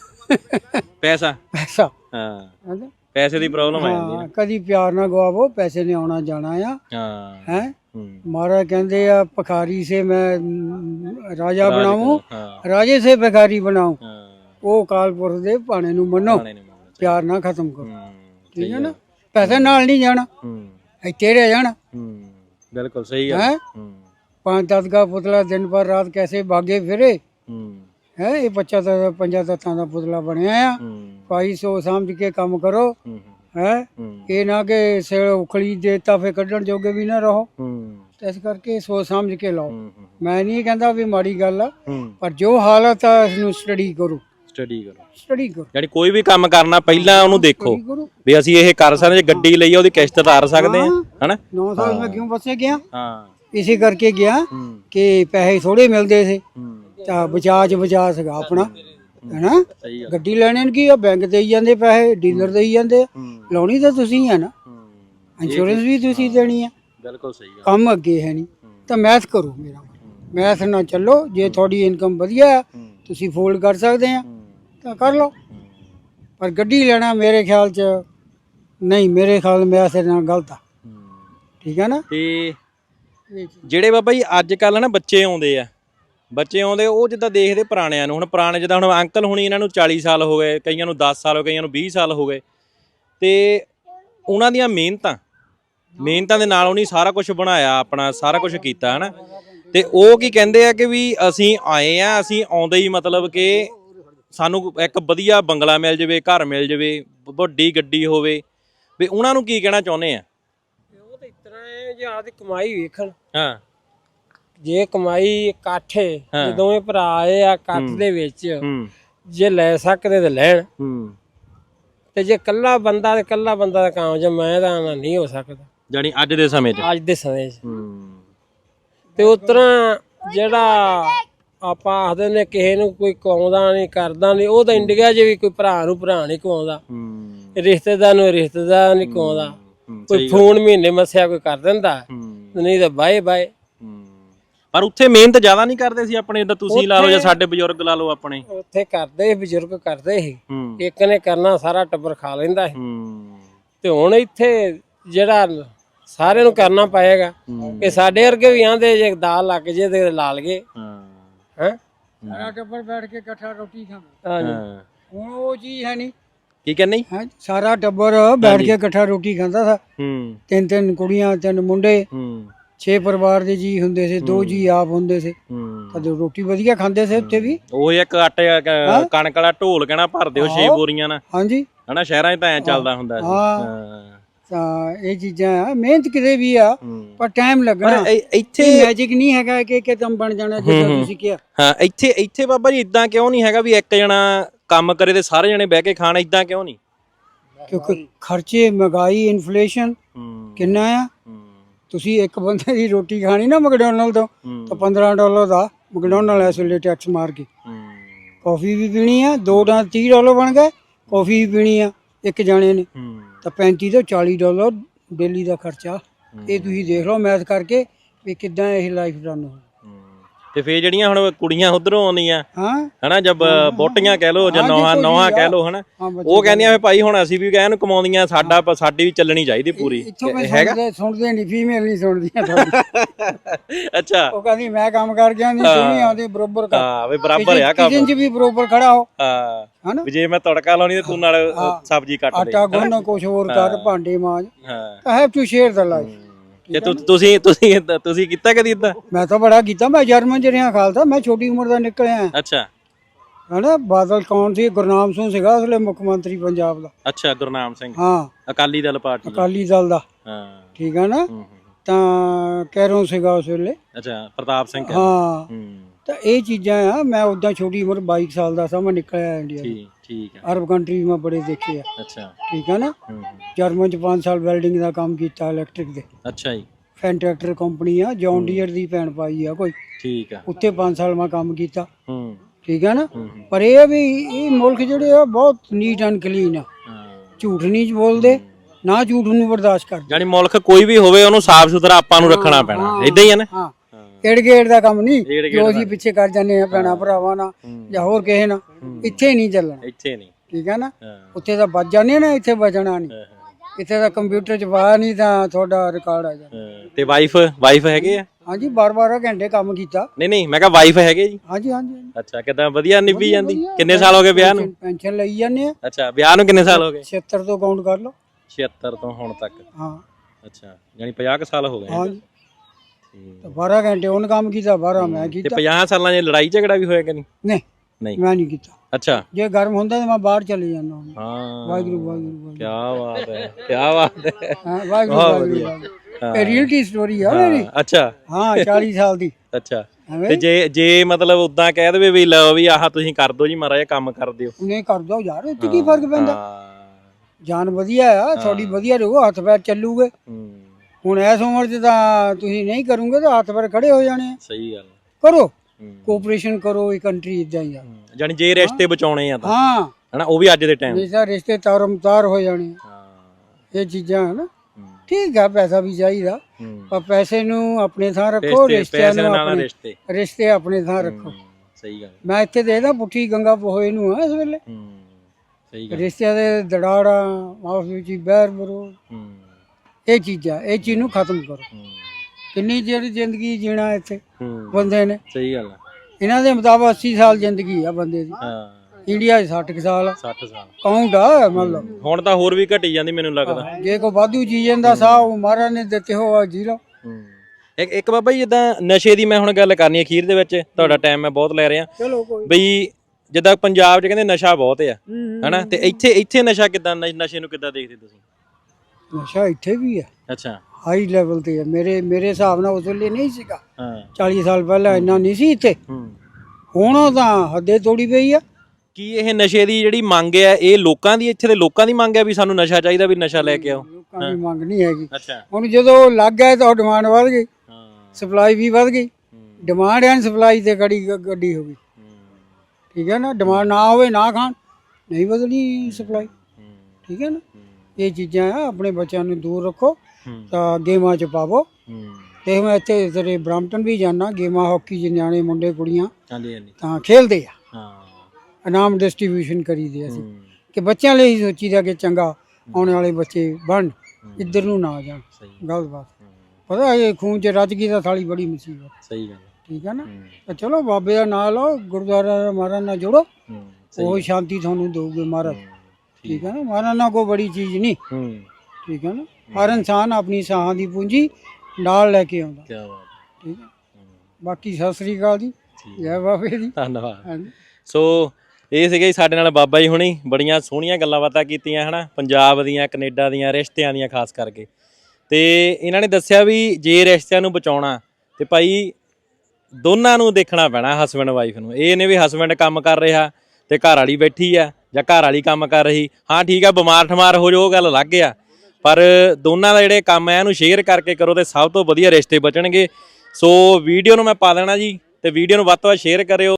[SPEAKER 1] ਪੈਸਾ।
[SPEAKER 5] ਪੈਸਾ
[SPEAKER 1] ਹਾਂ
[SPEAKER 5] ਹੈਨਾ?
[SPEAKER 1] ਪੈਸੇ ਦੀ ਪ੍ਰੋਬਲਮ ਆ ਜਾਂਦੀ
[SPEAKER 5] ਹਾਂ, ਕਦੀ ਪਿਆਰ ਨਾ ਗਵਾਵੋ, ਪੈਸੇ ਨੇ ਆਉਣਾ ਜਾਣਾ ਆ।
[SPEAKER 1] ਹੈ। ਹਾਂ
[SPEAKER 5] ਹੈ
[SPEAKER 1] ਹੂੰ
[SPEAKER 5] ਮਹਾਰਾਜ ਕਹਿੰਦੇ ਆ ਭਿਖਾਰੀ ਸੇ ਮੈਂ ਅਮ, ਰਾਜਾ ਬਣਾऊं,
[SPEAKER 1] ਹਾਂ
[SPEAKER 5] ਰਾਜੇ ਸੇ ਭਿਖਾਰੀ ਬਣਾऊं।
[SPEAKER 1] ਹਾਂ
[SPEAKER 5] ਉਹ ਕਾਲਪੁਰਖ ਦੇ ਭਾਣੇ ਨੂੰ ਮੰਨੋ,
[SPEAKER 1] ਖਾਣੇ ਨਹੀਂ ਮੰਗਣਾ
[SPEAKER 5] ਪਿਆਰ ਨਾ ਖਤਮ ਕਰੋ।
[SPEAKER 1] ਚਾਹੀਦਾ। ਹੂੰ
[SPEAKER 5] ਠੀਕ ਹੈ ਨਾ। ਪੈਸੇ ਨਾਲ ਨਹੀਂ ਜਾਣਾ,
[SPEAKER 1] ਹੂੰ
[SPEAKER 5] ਇੱਥੇ ਰਹਿ ਜਾਣਾ।
[SPEAKER 1] ਹੂੰ ਬਿਲਕੁਲ ਸਹੀ ਗੱਲ।
[SPEAKER 5] ਹੈ
[SPEAKER 1] ਹੂੰ
[SPEAKER 5] पांच तत्त का पुतला दिन पर रात कैसे भागे फिरे
[SPEAKER 1] ਹੂੰ
[SPEAKER 5] है ये पच्चा तत्त पंजा तत्तां का पुतला बनया आ।
[SPEAKER 1] ਹੂੰ
[SPEAKER 5] भाई सोच समझ के काम करो
[SPEAKER 1] ਹੂੰ
[SPEAKER 5] है
[SPEAKER 1] ਹੂੰ
[SPEAKER 5] ये ना कि सिर उखड़ी देता फिर कढ़न जोगे भी ना रहो।
[SPEAKER 1] ਹੂੰ
[SPEAKER 5] इस करके सोच समझ के लाओ।
[SPEAKER 1] ਹੂੰ
[SPEAKER 5] मैं नहीं कहता भी माड़ी गल आ,
[SPEAKER 1] ਹੂੰ
[SPEAKER 5] पर जो हालत है इसनू स्टडी करो,
[SPEAKER 1] ਸਟੱਡੀ ਕਰੋ।
[SPEAKER 5] स्टडी करो,
[SPEAKER 1] ਯਾਨੀ ਕੋਈ ਵੀ ਕੰਮ ਕਰਨਾ ਪਹਿਲਾਂ ਉਹਨੂੰ ਦੇਖੋ
[SPEAKER 5] स्टडी करो।
[SPEAKER 1] ਵੀ ਅਸੀਂ ਇਹ ਕਰ ਸਕਦੇ, ਜੇ ਗੱਡੀ ਲਈ ਆ ਉਹਦੀ ਕਿਸ਼ਤ ਤਾਰ ਸਕਦੇ ਆ ਹਨਾ।
[SPEAKER 5] नौ साल में क्यों बसे गया?
[SPEAKER 1] ਹਾਂ
[SPEAKER 5] इसी करके गया
[SPEAKER 1] ਹੂੰ
[SPEAKER 5] कि पैसे थोड़े मिलते थे,
[SPEAKER 1] ਹੂੰ
[SPEAKER 5] ਤਾਂ ਬਚਾ ਚ ਬਚਾ ਸਗਾ ਆਪਣਾ ਹੈਨਾ।
[SPEAKER 1] ਸਹੀ ਗੱਲ।
[SPEAKER 5] ਗੱਡੀ ਲੈਣੇ ਨੂੰ ਕੀ ਆ, ਬੈਂਕ ਦੇਈ ਜਾਂਦੇ ਪੈਸੇ, ਡੀਲਰ ਦੇਈ ਜਾਂਦੇ ਆ,
[SPEAKER 1] ਹੂੰ
[SPEAKER 5] ਲਾਉਣੀ ਤਾਂ ਤੁਸੀਂ ਆ ਨਾ,
[SPEAKER 1] ਹੂੰ
[SPEAKER 5] ਇੰਸ਼ੋਰੈਂਸ ਵੀ ਤੁਸੀਂ ਦੇਣੀ ਆ,
[SPEAKER 1] ਬਿਲਕੁਲ ਸਹੀ ਗੱਲ।
[SPEAKER 5] ਕੰਮ ਅੱਗੇ ਹੈ ਨਹੀਂ। ਤਾਂ ਮੈਥ ਕਰੋ, ਮੇਰਾ ਮੈਥ ਨਾਲ ਚੱਲੋ। ਜੇ ਤੁਹਾਡੀ ਇਨਕਮ ਵਧੀਆ ਆ,
[SPEAKER 1] ਹੂੰ
[SPEAKER 5] ਤੁਸੀਂ ਫੋਲਡ ਕਰ ਸਕਦੇ ਆ
[SPEAKER 1] ਹੂੰ
[SPEAKER 5] ਤਾਂ ਕਰ ਲਓ। ਪਰ ਗੱਡੀ ਲੈਣਾ ਮੇਰੇ ਖਿਆਲ ਚ ਨਹੀਂ, ਮੇਰੇ ਖਿਆਲ ਮੈਥ ਨਾਲ ਗਲਤ ਆ।
[SPEAKER 1] ਹੂੰ
[SPEAKER 5] ਠੀਕ ਹੈ ਨਾ।
[SPEAKER 1] ਤੇ ਜਿਹੜੇ ਬਾਬਾ ਜੀ ਅੱਜ ਕੱਲ ਨਾ ਬੱਚੇ ਆਉਂਦੇ ਆ, ਬੱਚੇ ਆਉਂਦੇ ਉਹ ਜਿੱਦਾਂ ਦੇਖਦੇ ਪੁਰਾਣਿਆਂ ਨੂੰ, ਹੁਣ ਪੁਰਾਣੇ ਜਿੱਦਾਂ ਹੁਣ ਅੰਕਲ ਹੁਣੀ ਇਹਨਾਂ ਨੂੰ ਚਾਲੀ ਸਾਲ ਹੋ ਗਏ, ਕਈਆਂ ਨੂੰ ਦਸ ਸਾਲ ਹੋ ਗਏ, ਕਈਆਂ ਨੂੰ ਵੀਹ ਸਾਲ ਹੋ ਗਏ, ਤੇ ਉਹਨਾਂ ਦੀਆਂ ਮਿਹਨਤਾਂ ਮਿਹਨਤਾਂ ਦੇ ਨਾਲ ਉਹਨੇ ਸਾਰਾ ਕੁਝ ਬਣਾਇਆ, ਆਪਣਾ ਸਾਰਾ ਕੁਝ ਕੀਤਾ ਹਨਾ। ਤੇ ਉਹ ਕੀ ਕਹਿੰਦੇ ਆ ਕਿ ਵੀ ਅਸੀਂ ਆਏ ਆ, ਅਸੀਂ ਆਉਂਦੇ ਹੀ ਮਤਲਬ ਕਿ ਸਾਨੂੰ ਇੱਕ ਵਧੀਆ ਬੰਗਲਾ ਮਿਲ ਜਾਵੇ, ਘਰ ਮਿਲ ਜਾਵੇ, ਵੱਡੀ ਗੱਡੀ ਹੋਵੇ, ਵੀ ਉਹਨਾਂ ਨੂੰ ਕੀ ਕਹਿਣਾ ਚਾਹੁੰਦੇ ਆ?
[SPEAKER 2] ਉਹ ਤਾਂ ਇਤਨਾ ਹੈ ਜੇ ਆਦੀ ਕਮਾਈ ਵੇਖਣ।
[SPEAKER 1] ਹਾਂ
[SPEAKER 2] ਜੇ ਕਮਾਈ ਇਕੱਠੇ
[SPEAKER 1] ਹਾਂ।
[SPEAKER 2] ਜੇ ਦੋਵੇਂ ਭਰਾ ਆਏ ਆ ਇਕੱਠ ਦੇ ਵਿੱਚ,
[SPEAKER 1] ਹੂੰ
[SPEAKER 2] ਜੇ ਲੈ ਸਕਦੇ ਤੇ ਲੈਣ,
[SPEAKER 1] ਹੂੰ
[SPEAKER 2] ਤੇ ਜੇ ਕੱਲਾ ਬੰਦਾ ਤੇ ਕੱਲਾ ਬੰਦਾ ਦਾ ਕੰਮ ਜੇ ਮੈਂ ਤਾਂ ਆਣਾ ਨਹੀਂ ਹੋ ਸਕਦਾ
[SPEAKER 1] ਜਾਨੀ ਅੱਜ ਦੇ ਸਮੇਂ 'ਚ।
[SPEAKER 2] ਅੱਜ ਦੇ ਸਮੇਂ 'ਚ।
[SPEAKER 1] ਹੂੰ
[SPEAKER 2] ਤੇ ਉਤਰਾ ਜਿਹੜਾ ਆਪਾਂ ਆਖਦੇ ਨੇ ਕਿਸੇ ਨੂੰ ਕੋਈ ਕਮਾਉਂਦਾ ਨਹੀਂ ਕਰਦਾ ਨਹੀਂ, ਉਹ ਤਾਂ ਇੰਡੀਆ 'ਚ ਵੀ ਕੋਈ ਭਰਾ ਨੂੰ ਭਰਾ ਨਹੀਂ ਕਮਾਉਂਦਾ,
[SPEAKER 1] ਹੂੰ
[SPEAKER 2] ਰਿਸ਼ਤੇਦਾਰ ਨੂੰ ਰਿਸ਼ਤੇਦਾਰ ਨਹੀਂ ਕਮਾਉਂਦਾ।
[SPEAKER 1] ਹੂੰ,
[SPEAKER 2] ਕੋਈ ਫੋਨ ਮਹੀਨੇ ਮੱਸਿਆ ਕੋਈ ਕਰ ਦਿੰਦਾ,
[SPEAKER 1] ਹੂੰ
[SPEAKER 2] ਨਹੀਂ ਤਾਂ ਬਾਏ ਬਾਏ।
[SPEAKER 1] ਹੂੰ। ਪਰ ਉੱਥੇ ਮਿਹਨਤ ਜ਼ਿਆਦਾ ਨਹੀਂ ਕਰਦੇ ਸੀ ਆਪਣੇ, ਜਿੱਦਾਂ ਤੁਸੀਂ ਲਾ ਲਓ ਜਾਂ ਸਾਡੇ ਬਜ਼ੁਰਗ ਲਾ ਲਓ ਆਪਣੇ।
[SPEAKER 2] ਉੱਥੇ ਕਰਦੇ ਬਜ਼ੁਰਗ ਕਰਦੇ ਸੀ,
[SPEAKER 1] ਹੂੰ
[SPEAKER 2] ਇੱਕ ਨੇ ਕਰਨਾ ਸਾਰਾ ਟੱਬਰ ਖਾ ਲੈਂਦਾ ਸੀ।
[SPEAKER 1] ਹੂੰ
[SPEAKER 2] ਤੇ ਹੁਣ ਇੱਥੇ ਜਿਹੜਾ ਸਾਰਿਆਂ ਨੂੰ ਕਰਨਾ ਪਏਗਾ,
[SPEAKER 1] ਹੂੰ।
[SPEAKER 2] ਕਿ ਸਾਡੇ ਵਰਗੇ ਵੀ ਆਂਦੇ ਜੇ ਦਾਲ ਲੱਗ ਜੇ ਤੇ ਲਾ ਲਗੇ
[SPEAKER 1] ਹਾਂ
[SPEAKER 2] ਹੈ।
[SPEAKER 5] ਸਾਰਾ ਟੱਬਰ ਬੈਠ ਕੇ ਇਕੱਠਾ ਰੋਟੀ ਖਾਂਦਾ,
[SPEAKER 2] ਹਾਂਜੀ
[SPEAKER 1] ਹਾਂ
[SPEAKER 5] ਹੁਣ ਉਹ ਚੀਜ਼ ਹੈ ਨਹੀਂ।
[SPEAKER 1] ਕੀ ਕਹਿੰਦੇ?
[SPEAKER 5] ਹੈ ਸਾਰਾ ਟੱਬਰ ਬੈਠ ਕੇ ਇਕੱਠਾ ਰੋਟੀ ਖਾਂਦਾ ਸੀ।
[SPEAKER 1] ਹੂੰ
[SPEAKER 5] ਤਿੰਨ ਤਿੰਨ ਕੁੜੀਆਂ, ਤਿੰਨ ਮੁੰਡੇ,
[SPEAKER 1] ਹੂੰ
[SPEAKER 5] ਛੇ ਪਰਿਵਾਰ ਦੇ ਜੀ ਹੁੰਦੇ ਸੀ, ਦੋ ਜੀ ਆਪ ਹੁੰਦੇ ਸੀ,
[SPEAKER 1] ਹੂੰ
[SPEAKER 5] ਕਦੇ ਰੋਟੀ ਵਧੀਆ ਖਾਂਦੇ ਸੀ ਉੱਥੇ ਵੀ।
[SPEAKER 1] ਉਹ ਇੱਕ ਆਟੇ ਕ- ਕਣਕ ਵਾਲਾ ਢੋਲ ਕਹਿਣਾ ਭਰ ਦਿਓ ਛੇ ਬੋਰੀਆਂ ਨਾਲ
[SPEAKER 5] ਹਾਂਜੀ
[SPEAKER 1] ਹਨਾ, ਸ਼ਹਿਰਾਂ 'ਚ ਤਾਂ ਐ ਚੱਲਦਾ ਹੁੰਦਾ ਸੀ।
[SPEAKER 5] ਹਾਂ।
[SPEAKER 1] ਹਾਂ
[SPEAKER 5] ਤਾਂ ਇਹ ਚੀਜ਼ਾਂ ਆ, ਮਿਹਨਤ ਕਿਤੇ ਵੀ ਆ,
[SPEAKER 1] ਹੂੰ।
[SPEAKER 5] ਪਰ ਟਾਈਮ ਲੱਗਣਾ।
[SPEAKER 1] ਪਰ ਇ- ਇੱਥੇ
[SPEAKER 5] ਇਹ ਮੈਜਿਕ ਨਹੀਂ ਹੈਗਾ ਕਿ ਇੱਕਦਮ ਬਣ ਜਾਣਾ ਜਿੱਦਾਂ ਤੁਸੀਂ ਕਿਹਾ।
[SPEAKER 1] ਹਾਂ ਇੱਥੇ ਇੱਥੇ ਬਾਬਾ ਜੀ ਇਦਾਂ ਕਿਉਂ ਨਹੀਂ ਹੈਗਾ ਵੀ ਇੱਕ ਜਣਾ ਕੰਮ ਕਰੇ ਤੇ ਸਾਰੇ ਜਣੇ ਬਹਿ ਕੇ ਖਾਣ, ਇਦਾਂ ਕਿਉਂ ਨਹੀਂ?
[SPEAKER 5] ਕਿਉਂਕਿ ਖਰਚੇ, ਮਹਿੰਗਾਈ, ਇਨਫਲੇਸ਼ਨ
[SPEAKER 1] ਹੂੰ
[SPEAKER 5] ਕਿੰਨਾ ਆ।
[SPEAKER 1] ਹੂੰ
[SPEAKER 5] ਤੁਸੀਂ ਇੱਕ ਬੰਦੇ ਦੀ ਰੋਟੀ ਖਾਣੀ ਨਾ ਮੈਕਡੋਨਲਡ ਤੋਂ,
[SPEAKER 1] ਹੂੰ
[SPEAKER 5] ਤਾਂ ਪੰਦਰਾਂ ਡਾਲਰ ਦਾ ਮੈਕਡੋਨਲਡ ਇਸ ਵੇਲੇ ਟੈਕਸ ਮਾਰ ਕੇ।
[SPEAKER 1] ਹੂੰ
[SPEAKER 5] ਕਾਫੀ ਵੀ ਪੀਣੀ ਆ, ਦੋ ਡਾਲ ਤੀਹ ਡਾਲਰ ਬਣ ਗਏ। ਕਾਫੀ ਵੀ ਪੀਣੀ ਆ ਇੱਕ ਜਾਣੇ ਨੇ,
[SPEAKER 1] ਹੂੰ
[SPEAKER 5] ਤਾਂ ਪੈਂਤੀ ਤੋਂ ਚਾਲੀ ਡਾਲਰ ਡੇਲੀ ਦਾ ਖਰਚਾ। ਇਹ ਤੁਸੀਂ ਦੇਖ ਲਓ ਮੈਥ ਕਰਕੇ ਵੀ ਕਿੱਦਾਂ ਇਹ ਲਾਈਫ ਰਨ ਹੋ।
[SPEAKER 1] ਹੂੰ। ਤੇ ਫੇਰ ਜਿਹੜੀਆਂ ਹੁਣ ਕੁੜੀਆਂ ਉਧਰੋਂ ਆਉਂਦੀਆਂ
[SPEAKER 5] ਹਾਂ
[SPEAKER 1] ਹਨਾ, ਜਬ ਬੋਟੀਆਂ ਕਹਿ ਲੋ ਜਾਂ
[SPEAKER 5] ਹਾਂ ਜੀ,
[SPEAKER 1] ਨੌਹਾਂ
[SPEAKER 5] ਕੋਈ
[SPEAKER 1] ਨੌਹਾਂ
[SPEAKER 5] ਵੀ
[SPEAKER 1] ਕਹਿ
[SPEAKER 5] ਆ।
[SPEAKER 1] ਲੋ ਹਨਾ,
[SPEAKER 5] ਹਾਂ ਬੱਚੇ
[SPEAKER 1] ਉਹ ਕਹਿੰਦੀਆਂ ਵੀ ਭਾਈ ਹੁਣ ਅਸੀਂ ਵੀ ਕਹਿਣ ਕਮਾਉਂਦੀਆਂ, ਸਾਡਾ ਪ- ਸਾਡੀ ਵੀ ਚੱਲਣੀ ਚਾਹੀਦੀ ਪੂਰੀ।
[SPEAKER 5] ਇੱਥੋਂ ਮੈਂ
[SPEAKER 1] ਹੈਗਾ
[SPEAKER 5] ਸੁਣਦੇ ਸੁਣਦੇ ਨਹੀਂ, ਫੀਮੇਲ ਨਹੀਂ ਸੁਣਦੀਆਂ ਤੁਹਾਡੀ।
[SPEAKER 1] ਅੱਛਾ
[SPEAKER 5] ਉਹ ਕਹਿੰਦੀ ਮੈਂ ਕੰਮ ਕਰ ਗਿਆ ਨਹੀਂ, ਸੁਣੀ ਆਉਂਦੀ ਬਰੋਬਰ ਕਰ।
[SPEAKER 1] ਹਾਂ ਵੀ ਬਰਾਬਰ ਆ ਕੰਮ।
[SPEAKER 5] ਕਿਚਨ 'ਚ ਵੀ ਬਰੋਬਰ ਖੜਾ ਹੋ,
[SPEAKER 1] ਹਾਂ
[SPEAKER 5] ਹਨਾ।
[SPEAKER 1] ਵੀ ਜੇ ਮੈਂ ਤੜਕਾ ਲਾਉਣੀ ਤੇ ਤੂੰ ਨਾਲ ਅ, ਸਬਜ਼ੀ ਕੱਟ ਦੇ।
[SPEAKER 5] ਆਟਾ ਗੁੰਨ, ਕੁਛ ਹੋਰ ਕਰ, ਭਾਂਡੇ ਮਾਂਜ।
[SPEAKER 1] ਹਾਂ
[SPEAKER 5] have to share the life.
[SPEAKER 1] ਤੇ ਤੁ- ਤੁਸੀਂ ਤੁਸੀਂ ਤੁਸੀਂ ਕੀਤਾ ਕਦੀ ਇਦਾਂ?
[SPEAKER 5] ਮੈਂ ਤਾਂ ਬੜਾ ਕੀਤਾ, ਮੈਂ ਜਰਮਨ 'ਚ ਰਿਹਾ ਖਾਲਸਾ, ਮੈਂ ਛੋਟੀ ਉਮਰ ਦਾ ਨਿਕਲਿਆ
[SPEAKER 1] ਅੱਛਾ
[SPEAKER 5] ਹਨਾ। ਬਾਦਲ ਕੌਣ ਸੀ? ਗੁਰਨਾਮ ਸਿੰਘ ਸੀਗਾ ਉਸ ਵੇਲੇ ਮੁੱਖ ਮੰਤਰੀ ਪੰਜਾਬ ਦਾ।
[SPEAKER 1] ਅੱਛਾ ਗੁਰਨਾਮ ਸਿੰਘ,
[SPEAKER 5] ਹਾਂ,
[SPEAKER 1] ਅਕਾਲੀ ਦਲ ਪਾਰਟੀ ਦਾ।
[SPEAKER 5] ਅਕਾਲੀ ਦਲ ਦਾ,
[SPEAKER 1] ਹਾਂ
[SPEAKER 5] ਠੀਕ ਹੈ ਨਾ।
[SPEAKER 1] ਹੂੰ ਹੂੰ।
[SPEAKER 5] ਤਾਂ ਕੈਰੋਂ ਸੀਗਾ ਉਸ ਵੇਲੇ।
[SPEAKER 1] ਅੱਛਾ ਪ੍ਰਤਾਪ ਸਿੰਘ ਕਹਿ-
[SPEAKER 5] ਹਾਂ,
[SPEAKER 1] ਹੂੰ
[SPEAKER 5] ਤਾਂ ਇਹ ਚੀਜ਼ਾਂ ਆ। ਮੈਂ ਉਦਾਂ ਛੋਟੀ ਉਮਰ ਬਾਈ ਸਾਲ ਦਾ ਸਾਂ, ਮੈਂ ਨਿਕਲਿਆ ਇੰਡੀਆ।
[SPEAKER 1] ਠੀਕ ਠੀਕ ਆ।
[SPEAKER 5] ਅਰਬ ਕੰਟਰੀ ਮੈਂ ਬੜੇ ਦੇਖੇ ਆ,
[SPEAKER 1] ਅੱਛਾ
[SPEAKER 5] ਠੀਕ ਹੈ ਨਾ।
[SPEAKER 1] ਹੂੰ ਹੂੰ।
[SPEAKER 5] ਜਰਮਨ 'ਚ ਪੰਜ ਸਾਲ ਵੈਲਡਿੰਗ ਦਾ ਕੰਮ ਕੀਤਾ, ਇਲੈਕਟ੍ਰਿਕ ਦੇ।
[SPEAKER 1] ਅੱਛਾ ਜੀ
[SPEAKER 5] ਫੈਂਟਰੈਕਟਰ ਕੰਪਨੀ ਆ, ਜੌਨ ਡੀਅਰ ਦੀ ਭੈਣ ਪਾਈ ਆ ਕੋਈ,
[SPEAKER 1] ਠੀਕ ਆ।
[SPEAKER 5] ਉੱਥੇ ਪੰਜ ਸਾਲ ਮੈਂ ਕੰਮ ਕੀਤਾ,
[SPEAKER 1] ਹੂੰ
[SPEAKER 5] ਠੀਕ ਹੈ ਨਾ।
[SPEAKER 1] ਹੂੰ ਹੂੰ।
[SPEAKER 5] ਪਰ ਇਹ ਆ ਵੀ ਇਹ ਮੁਲਕ ਜਿਹੜੇ ਆ ਬਹੁਤ ਨੀਟ ਐਂਡ ਕਲੀਨ ਆ,
[SPEAKER 1] ਹਾਂ
[SPEAKER 5] ਝੂਠ ਨਹੀਂ ਬੋਲਦੇ, ਨਾ ਝੂਠ ਨੂੰ ਬਰਦਾਸ਼ਤ ਕਰਦੇ।
[SPEAKER 1] ਜਾਨੀ ਮੁਲਕ ਕੋਈ ਵੀ ਹੋਵੇ ਉਹਨੂੰ ਸਾਫ਼ ਸੁਥਰਾ ਆਪਾਂ ਨੂੰ ਰੱਖਣਾ ਪੈਣਾ, ਇਦਾਂ ਹੀ ਆ ਨਾ।
[SPEAKER 5] ਹਾਂ, ਏੜ ਗੇੜ ਦਾ ਕੰਮ ਨਹੀਂ
[SPEAKER 1] ਏੜ ਗੇੜ
[SPEAKER 5] ਜੋ ਅਸੀਂ ਪਿੱਛੇ ਕਰ ਜਾਂਦੇ ਆ ਭੈਣਾ ਭਰਾਵਾਂ ਨਾਲ ਜਾਂ ਹੋਰ ਕਿਸੇ ਨਾਲ, ਇੱਥੇ ਨਹੀਂ ਚੱਲਣਾ,
[SPEAKER 1] ਇੱਥੇ ਨਹੀਂ।
[SPEAKER 5] ਠੀਕ ਹੈ ਨਾ।
[SPEAKER 1] ਹਾਂ
[SPEAKER 5] ਉੱਥੇ ਤਾਂ ਬਚ ਜਾਂਦੇ ਨਾ, ਇੱਥੇ ਬਚਣਾ ਨਹੀਂ।
[SPEAKER 1] ਹਾਂ,
[SPEAKER 5] ਇੱਥੇ ਤਾਂ ਕੰਪਿਊਟਰ 'ਚ ਪਾ ਨਹੀਂ ਤਾਂ ਤੁਹਾਡਾ ਰਿਕਾਰਡ ਆ ਜਾਂਦਾ।
[SPEAKER 1] ਹਾਂ। ਤੇ ਵਾਈਫ ਵਾਈਫ ਹੈਗੇ ਆ?
[SPEAKER 5] ਹਾਂਜੀ, ਬਾਰਾਂ ਬਾਰਾਂ ਘੰਟੇ ਕੰਮ ਕੀਤਾ।
[SPEAKER 1] ਨਹੀਂ ਨਹੀਂ ਮੈਂ ਕਿਹਾ ਵਾਈਫ ਹੈਗੇ ਜੀ?
[SPEAKER 5] ਹਾਂਜੀ ਹਾਂਜੀ ਹਾਂਜੀ।
[SPEAKER 1] ਅੱਛਾ ਕਿਦਾਂ ਵਧੀਆ ਨਿਭੀ ਜਾਂਦੀ? ਕਿੰਨੇ ਸਾਲ ਹੋ ਗਏ ਵਿਆਹ ਨੂੰ?
[SPEAKER 5] ਪੈਨਸ਼ਨ ਲਈ ਜਾਂਦੇ ਆ।
[SPEAKER 1] ਅੱਛਾ ਵਿਆਹ ਨੂੰ ਕਿੰਨੇ ਸਾਲ ਹੋ ਗਏ?
[SPEAKER 5] ਛਿਅੱਤਰ ਤੋਂ ਕਾਊਂਟ ਕਰ ਲਓ।
[SPEAKER 1] ਛਿਅੱਤਰ ਤੋਂ ਹੁਣ ਤੱਕ?
[SPEAKER 5] ਹਾਂ
[SPEAKER 1] ਅੱਛਾ ਯਾਨੀ ਪੰਜਾਹ ਕੁ ਸਾਲ ਹੋ ਗਏ।
[SPEAKER 5] ਹਾਂਜੀ,
[SPEAKER 1] ਠੀਕ।
[SPEAKER 5] ਤਾਂ ਬਾਰਾਂ ਘੰਟੇ ਉਹਨੇ ਕੰਮ ਕੀਤਾ, ਬਾਰਾਂ ਮੈਂ
[SPEAKER 1] ਤੇ
[SPEAKER 5] ਕੀਤਾ।
[SPEAKER 1] ਪੰਜਾਹ ਸਾਲਾਂ 'ਚ ਲੜਾਈ ਝਗੜਾ ਵੀ ਹੋਇਆ ਕਿ ਨਹੀਂ?
[SPEAKER 5] ਨਹੀਂ,
[SPEAKER 1] ਨਹੀਂ।
[SPEAKER 5] ਮੈਂ ਨਹੀਂ ਕੀਤਾ।
[SPEAKER 1] ਅੱਛਾ
[SPEAKER 5] ਜੇ ਗਰਮ ਹੁੰਦਾ ਤਾਂ ਮੈਂ ਬਾਹਰ ਚਲੇ ਜਾਂਦਾ ਹੁੰਦਾ।
[SPEAKER 1] ਹਾਂ
[SPEAKER 5] ਵਾਹਿਗੁਰੂ ਵਾਹਿਗੁਰੂ
[SPEAKER 1] ਕੀ ਬਾਤ ਹੈ, ਕੀ ਬਾਤ ਹੈ।
[SPEAKER 5] ਹਾਂ, ਵਾਹਿਗੁਰੂ
[SPEAKER 1] ਬਹੁਤ
[SPEAKER 5] ਵਾਹਿਗੁਰੂ
[SPEAKER 1] ਵਧੀਆ।
[SPEAKER 5] ਵਾਹਿਗੁਰੂ। ਇਹ ਰੀਅਲਟੀ ਸਟੋਰੀ ਆ ਮੇਰੀ।
[SPEAKER 1] ਹਾਂ, ਅੱਛਾ
[SPEAKER 5] ਹਾਂ, ਚਾਲੀ ਸਾਲ ਦੀ।
[SPEAKER 1] ਅੱਛਾ
[SPEAKER 5] ਐਵੇਂ
[SPEAKER 1] ਤੇ ਜੇ ਜੇ ਮਤਲਬ ਉਦਾਂ ਕਹਿ ਦੇਵੇ ਵੀ ਲਓ ਵੀ ਆਹ ਤੁਸੀਂ ਕਰ ਦਿਓ ਜੀ ਮਾੜਾ ਜਿਹਾ ਕੰਮ ਕਰ ਦਿਓ।
[SPEAKER 5] ਨਹੀਂ ਕਰ ਦੋ ਯਾਰ, ਇੱਥੇ ਕੀ ਫਰਕ ਪੈਂਦਾ?
[SPEAKER 1] ਹਾਂ
[SPEAKER 5] ਜਾਨ ਵਧੀਆ ਆ ਤੁਹਾਡੀ, ਵਧੀਆ ਰਹੋ, ਹੱਥ ਪੈਰ ਚੱਲੂਗੇ।
[SPEAKER 1] ਹੂੰ
[SPEAKER 5] ਹੁਣ ਇਸ ਉਮਰ 'ਚ ਤਾਂ ਤੁਸੀਂ ਨਹੀਂ ਕਰੋਗੇ ਤਾਂ ਹੱਥ ਪੈਰ ਖੜੇ ਹੋ ਜਾਣੇ ਆ।
[SPEAKER 1] ਸਹੀ ਗੱਲ।
[SPEAKER 5] ਕਰੋ,
[SPEAKER 1] ਹੂੰ
[SPEAKER 5] ਕੋਆਪਰੇਸ਼ਨ ਕਰੋ, ਇਹ ਕੰਟਰੀ ਇਦਾਂ ਹੀ ਆ।
[SPEAKER 1] ਜਾਨੀ ਜੇ ਰਿਸ਼ਤੇ ਬਚਾਉਣੇ ਆ ਤਾਂ
[SPEAKER 5] ਹਾਂ,
[SPEAKER 1] ਹਨਾ, ਉਹ ਵੀ ਅੱਜ ਦੇ ਟਾਈਮ।
[SPEAKER 5] ਨਹੀਂ ਤਾਂ ਰਿਸ਼ਤੇ ਤਾਰਮਤਾਰ ਹੋ ਜਾਣੇ ਆ।
[SPEAKER 1] ਹਾਂ
[SPEAKER 5] ਇਹ ਚੀਜ਼ਾਂ ਹਨ।
[SPEAKER 1] ਹੂੰ
[SPEAKER 5] ਠੀਕ ਆ, ਪੈਸਾ ਵੀ ਚਾਹੀਦਾ,
[SPEAKER 1] ਹੂੰ।
[SPEAKER 5] ਪਰ ਪੈਸੇ ਨੂੰ ਆਪਣੇ ਥਾਂ ਰੱਖੋ,
[SPEAKER 1] ਰਿਸ਼ਤੇ
[SPEAKER 5] ਰਿਸ਼ਤਿਆਂ
[SPEAKER 1] ਪੈਸੇ
[SPEAKER 5] ਨੂੰ
[SPEAKER 1] ਨਾਲ
[SPEAKER 5] ਆਪਣੇ
[SPEAKER 1] ਰਿਸ਼ਤੇ।
[SPEAKER 5] ਰਿਸ਼ਤੇ ਆਪਣੇ ਥਾਂ ਰੱਖੋ।
[SPEAKER 1] ਹੂੰ, ਸਹੀ ਗੱਲ।
[SPEAKER 5] ਮੈਂ ਇੱਥੇ ਦੇਖਦਾ ਪੁੱਠੀ ਗੰਗਾ ਪੋਹੇ ਨੂੰ ਆ ਇਸ ਵੇਲੇ।
[SPEAKER 1] ਹੂੰ ਸਹੀ ਗੱਲ।
[SPEAKER 5] ਰਿਸ਼ਤਿਆਂ ਦੇ ਦੜਾੜਾ, ਆਪਸ ਵਿੱਚ ਹੀ ਬਹਿਰ ਬਰੋ,
[SPEAKER 1] ਹੂੰ
[SPEAKER 5] ਇਹ ਚੀਜ਼ਾਂ, ਇਹ ਚੀਜ਼ ਨੂੰ ਖਤਮ ਕਰੋ।
[SPEAKER 1] ਹੂੰ
[SPEAKER 5] ਕਿੰਨੀ ਜਿਹੜੀ ਜ਼ਿੰਦਗੀ ਜੀਣਾ ਇੱਥੇ
[SPEAKER 1] ਹੂੰ
[SPEAKER 5] ਬੰਦੇ ਨੇ,
[SPEAKER 1] ਸਹੀ ਗੱਲ ਆ।
[SPEAKER 5] ਇਹਨਾਂ ਦੇ ਮੁਤਾਬਕ ਅੱਸੀ ਸਾਲ ਜ਼ਿੰਦਗੀ ਆ ਬੰਦੇ ਦੀ।
[SPEAKER 1] ਹਾਂ
[SPEAKER 5] ਇੰਡੀਆ 'ਚ ਸੱਠ ਕੁ ਸਾਲ
[SPEAKER 1] ਸੱਠ ਸਾਲ
[SPEAKER 5] ਕਾਊਂਟ ਆ ਮਤਲਬ।
[SPEAKER 1] ਹੁਣ ਤਾਂ ਹੋਰ ਵੀ ਘਟੀ ਜਾਂਦੀ ਮੈਨੂੰ ਲੱਗਦਾ।
[SPEAKER 5] ਜੇ ਕੋ ਵਾਧੂ ਜੀ ਜਾਂਦਾ ਸਾਹ, ਉਹ ਮਹਾਰਾਜ ਨੇ ਦਿੱਤੇ ਹੋ ਜੀਰੋ।
[SPEAKER 1] ਹੂੰ ਇੱਕ ਇੱਕ ਬਾਬਾ ਜੀ ਜਿੱਦਾਂ ਨਸ਼ੇ ਦੀ ਮੈਂ ਹੁਣ ਗੱਲ ਕਰਨੀ ਅਖੀਰ ਦੇ ਵਿੱਚ, ਤੁਹਾਡਾ ਟਾਈਮ ਮੈਂ ਬਹੁਤ ਲੈ ਰਿਹਾ
[SPEAKER 5] ਚਲੋ ਕੋਈ
[SPEAKER 1] ਬਈ, ਜਿੱਦਾਂ ਪੰਜਾਬ 'ਚ ਕਹਿੰਦੇ ਨਸ਼ਾ ਬਹੁਤ ਆ ਹਨਾ, ਤੇ ਇੱਥੇ ਇੱਥੇ ਨਸ਼ਾ ਕਿੱਦਾਂ, ਨਸ਼ੇ ਨੂੰ ਕਿੱਦਾਂ ਦੇਖਦੇ ਤੁਸੀਂ?
[SPEAKER 5] ਨਸ਼ਾ ਇੱਥੇ ਵੀ ਆ,
[SPEAKER 1] ਅੱਛਾ
[SPEAKER 5] ਹਾਈ ਲੈਵਲ ਤੇ ਆ। ਮੇਰੇ ਮੇਰੇ ਹਿਸਾਬ ਨਾਲ ਉਸ ਵੇਲੇ ਨਹੀਂ ਸੀਗਾ,
[SPEAKER 1] ਹਾਂ
[SPEAKER 5] ਚਾਲੀ ਸਾਲ ਪਹਿਲਾਂ ਇੰਨਾ ਨਹੀਂ ਸੀ ਇੱਥੇ।
[SPEAKER 1] ਹੂੰ।
[SPEAKER 5] ਹੁਣ ਉਹ ਤਾਂ ਹੱਦੇ ਤੋੜੀ ਪਈ ਆ।
[SPEAKER 1] ਕੀ ਇਹ ਨਸ਼ੇ ਦੀ ਜਿਹੜੀ ਮੰਗ ਹੈ, ਇਹ ਲੋਕਾਂ ਦੀ, ਇੱਥੇ ਦੇ ਲੋਕਾਂ ਦੀ ਮੰਗ ਹੈ ਵੀ ਸਾਨੂੰ ਨਸ਼ਾ ਚਾਹੀਦਾ, ਵੀ ਨਸ਼ਾ ਲੈ ਕੇ ਆਓ?
[SPEAKER 5] ਲੋਕਾਂ ਦੀ ਮੰਗ ਨਹੀਂ ਹੈਗੀ।
[SPEAKER 1] ਅੱਛਾ
[SPEAKER 5] ਹੁਣ ਜਦੋਂ ਲੱਗ ਗਿਆ ਤਾਂ ਡਿਮਾਂਡ ਵੱਧ ਗਈ,
[SPEAKER 1] ਹਾਂ
[SPEAKER 5] ਸਪਲਾਈ ਵੀ ਵੱਧ ਗਈ। ਡਿਮਾਂਡ ਐਂਡ ਸਪਲਾਈ ਤੇ ਗੜੀ ਗੱਡੀ ਹੋ ਗਈ, ਠੀਕ ਹੈ ਨਾ। ਡਿਮਾਂਡ ਨਾ ਹੋਵੇ, ਨਾ ਖਾਣ, ਨਹੀਂ ਵਧਣੀ ਸਪਲਾਈ, ਠੀਕ ਹੈ ਨਾ। ਇਹ ਚੀਜ਼ਾਂ ਆ, ਆਪਣੇ ਬੱਚਿਆਂ ਨੂੰ ਦੂਰ ਰੱਖੋ, ਤਾਂ ਗੇਮਾਂ 'ਚ ਪਾਵੋ। ਤੇ ਮੈਂ ਇੱਥੇ ਤੇਰੇ ਬ੍ਰਾਂਪਟਨ ਵੀ ਜਾਣਾ, ਗੇਮਾਂ ਹਾਕੀ 'ਚ ਨਿਆਣੇ ਮੁੰਡੇ ਕੁੜੀਆਂ
[SPEAKER 1] ਹਾਂਜੀ ਹਾਂਜੀ
[SPEAKER 5] ਤਾਂ ਖੇਲਦੇ ਆ,
[SPEAKER 1] ਹਾਂ
[SPEAKER 5] ਇਨਾਮ ਡਿਸਟ੍ਰੀਬਿਊਸ਼ਨ ਕਰੀਦੇ ਅਸੀਂ
[SPEAKER 1] ਹੂੰ,
[SPEAKER 5] ਕਿ ਬੱਚਿਆਂ ਲਈ ਹੀ ਸੋਚੀਦਾ ਕਿ ਚੰਗਾ ਆਉਣ ਵਾਲੇ ਬੱਚੇ ਬਣ, ਇੱਧਰ ਨੂੰ ਨਾ ਜਾਣ।
[SPEAKER 1] ਸਹੀ
[SPEAKER 5] ਗਲਤ ਬਾਤ, ਪਤਾ ਇਹ ਖੂਨ 'ਚ ਰੱਜ ਗਈ ਤਾਂ ਸਾਲੀ ਬੜੀ ਮੁਸੀਬਤ,
[SPEAKER 1] ਸਹੀ ਗੱਲ।
[SPEAKER 5] ਠੀਕ ਹੈ ਨਾ।
[SPEAKER 1] ਹੂੰ,
[SPEAKER 5] ਤਾਂ ਚਲੋ ਬਾਬੇ ਦਾ ਨਾਂ ਲਓ, ਗੁਰਦੁਆਰਾ ਮਹਾਰਾਜ ਨਾਲ ਜੁੜੋ,
[SPEAKER 1] ਹੂੰ,
[SPEAKER 5] ਉਹ ਸ਼ਾਂਤੀ ਤੁਹਾਨੂੰ ਦੇਊਗੇ ਮਹਾਰਾਜ,
[SPEAKER 1] ਹੂੰ,
[SPEAKER 5] ਠੀਕ ਹੈ ਨਾ। ਮਹਾਰਾਜ ਨਾਲ ਕੋਈ ਬੜੀ ਚੀਜ਼ ਨਹੀਂ,
[SPEAKER 1] ਹੂੰ,
[SPEAKER 5] ਠੀਕ ਹੈ ਨਾ। ਹਰ ਇਨਸਾਨ ਆਪਣੀ ਸਾਹਾਂ ਦੀ ਪੂੰਜੀ ਨਾਲ ਲੈ ਕੇ ਆਉਂਦਾ,
[SPEAKER 1] ਕੀ ਬਾਤ,
[SPEAKER 5] ਠੀਕ ਹੈ। ਬਾਕੀ ਸਤਿ ਸ੍ਰੀ ਅਕਾਲ ਜੀ, ਜੈ ਬਾਬੇ ਦੀ।
[SPEAKER 1] ਧੰਨਵਾਦ।
[SPEAKER 5] ਹਾਂਜੀ।
[SPEAKER 1] ਸੋ ਇਹ ਸੀਗੇ ਜੀ ਸਾਡੇ ਨਾਲ ਬਾਬਾ ਜੀ ਹੁਣੀ, ਬੜੀਆਂ ਸੋਹਣੀਆਂ ਗੱਲਾਂ ਬਾਤਾਂ ਕੀਤੀਆਂ ਹਨਾ, ਪੰਜਾਬ ਦੀਆਂ, ਕੈਨੇਡਾ ਦੀਆਂ, ਰਿਸ਼ਤਿਆਂ ਦੀਆਂ ਖਾਸ ਕਰਕੇ। ਤੇ ਇਹਨਾਂ ਨੇ ਦੱਸਿਆ ਵੀ ਜੇ ਰਿਸ਼ਤਿਆਂ ਨੂੰ ਬਚਾਉਣਾ ਤੇ ਭਾਈ ਦੋਨਾਂ ਨੂੰ ਦੇਖਣਾ ਪੈਣਾ, ਹਸਬੈਂਡ ਵਾਈਫ ਨੂੰ। ਇਹ ਨੇ ਵੀ ਹਸਬੈਂਡ ਕੰਮ ਕਰ ਰਿਹਾ ਤੇ ਘਰ ਵਾਲੀ ਬੈਠੀ ਆ, ਜਾਂ ਘਰ ਵਾਲੀ ਕੰਮ ਕਰ ਰਹੀ, ਹਾਂ ਠੀਕ ਆ, ਬਿਮਾਰ ਠਮਾਰ ਹੋ ਜਾਓ, ਉਹ ਗੱਲ ਅਲੱਗ ਆ, ਪਰ ਦੋਨਾਂ ਦਾ ਜਿਹੜੇ ਕੰਮ ਹੈ ਇਹਨੂੰ ਸ਼ੇਅਰ ਕਰਕੇ ਕਰੋ ਤੇ ਸਭ ਤੋਂ ਵਧੀਆ ਰਿਸ਼ਤੇ ਬਚਣਗੇ। ਸੋ ਵੀਡੀਓ ਨੂੰ ਮੈਂ ਪਾ ਦੇਣਾ ਜੀ, ਤੇ ਵੀਡੀਓ ਨੂੰ ਵੱਧ ਤੋਂ ਵੱਧ ਸ਼ੇਅਰ ਕਰਿਓ।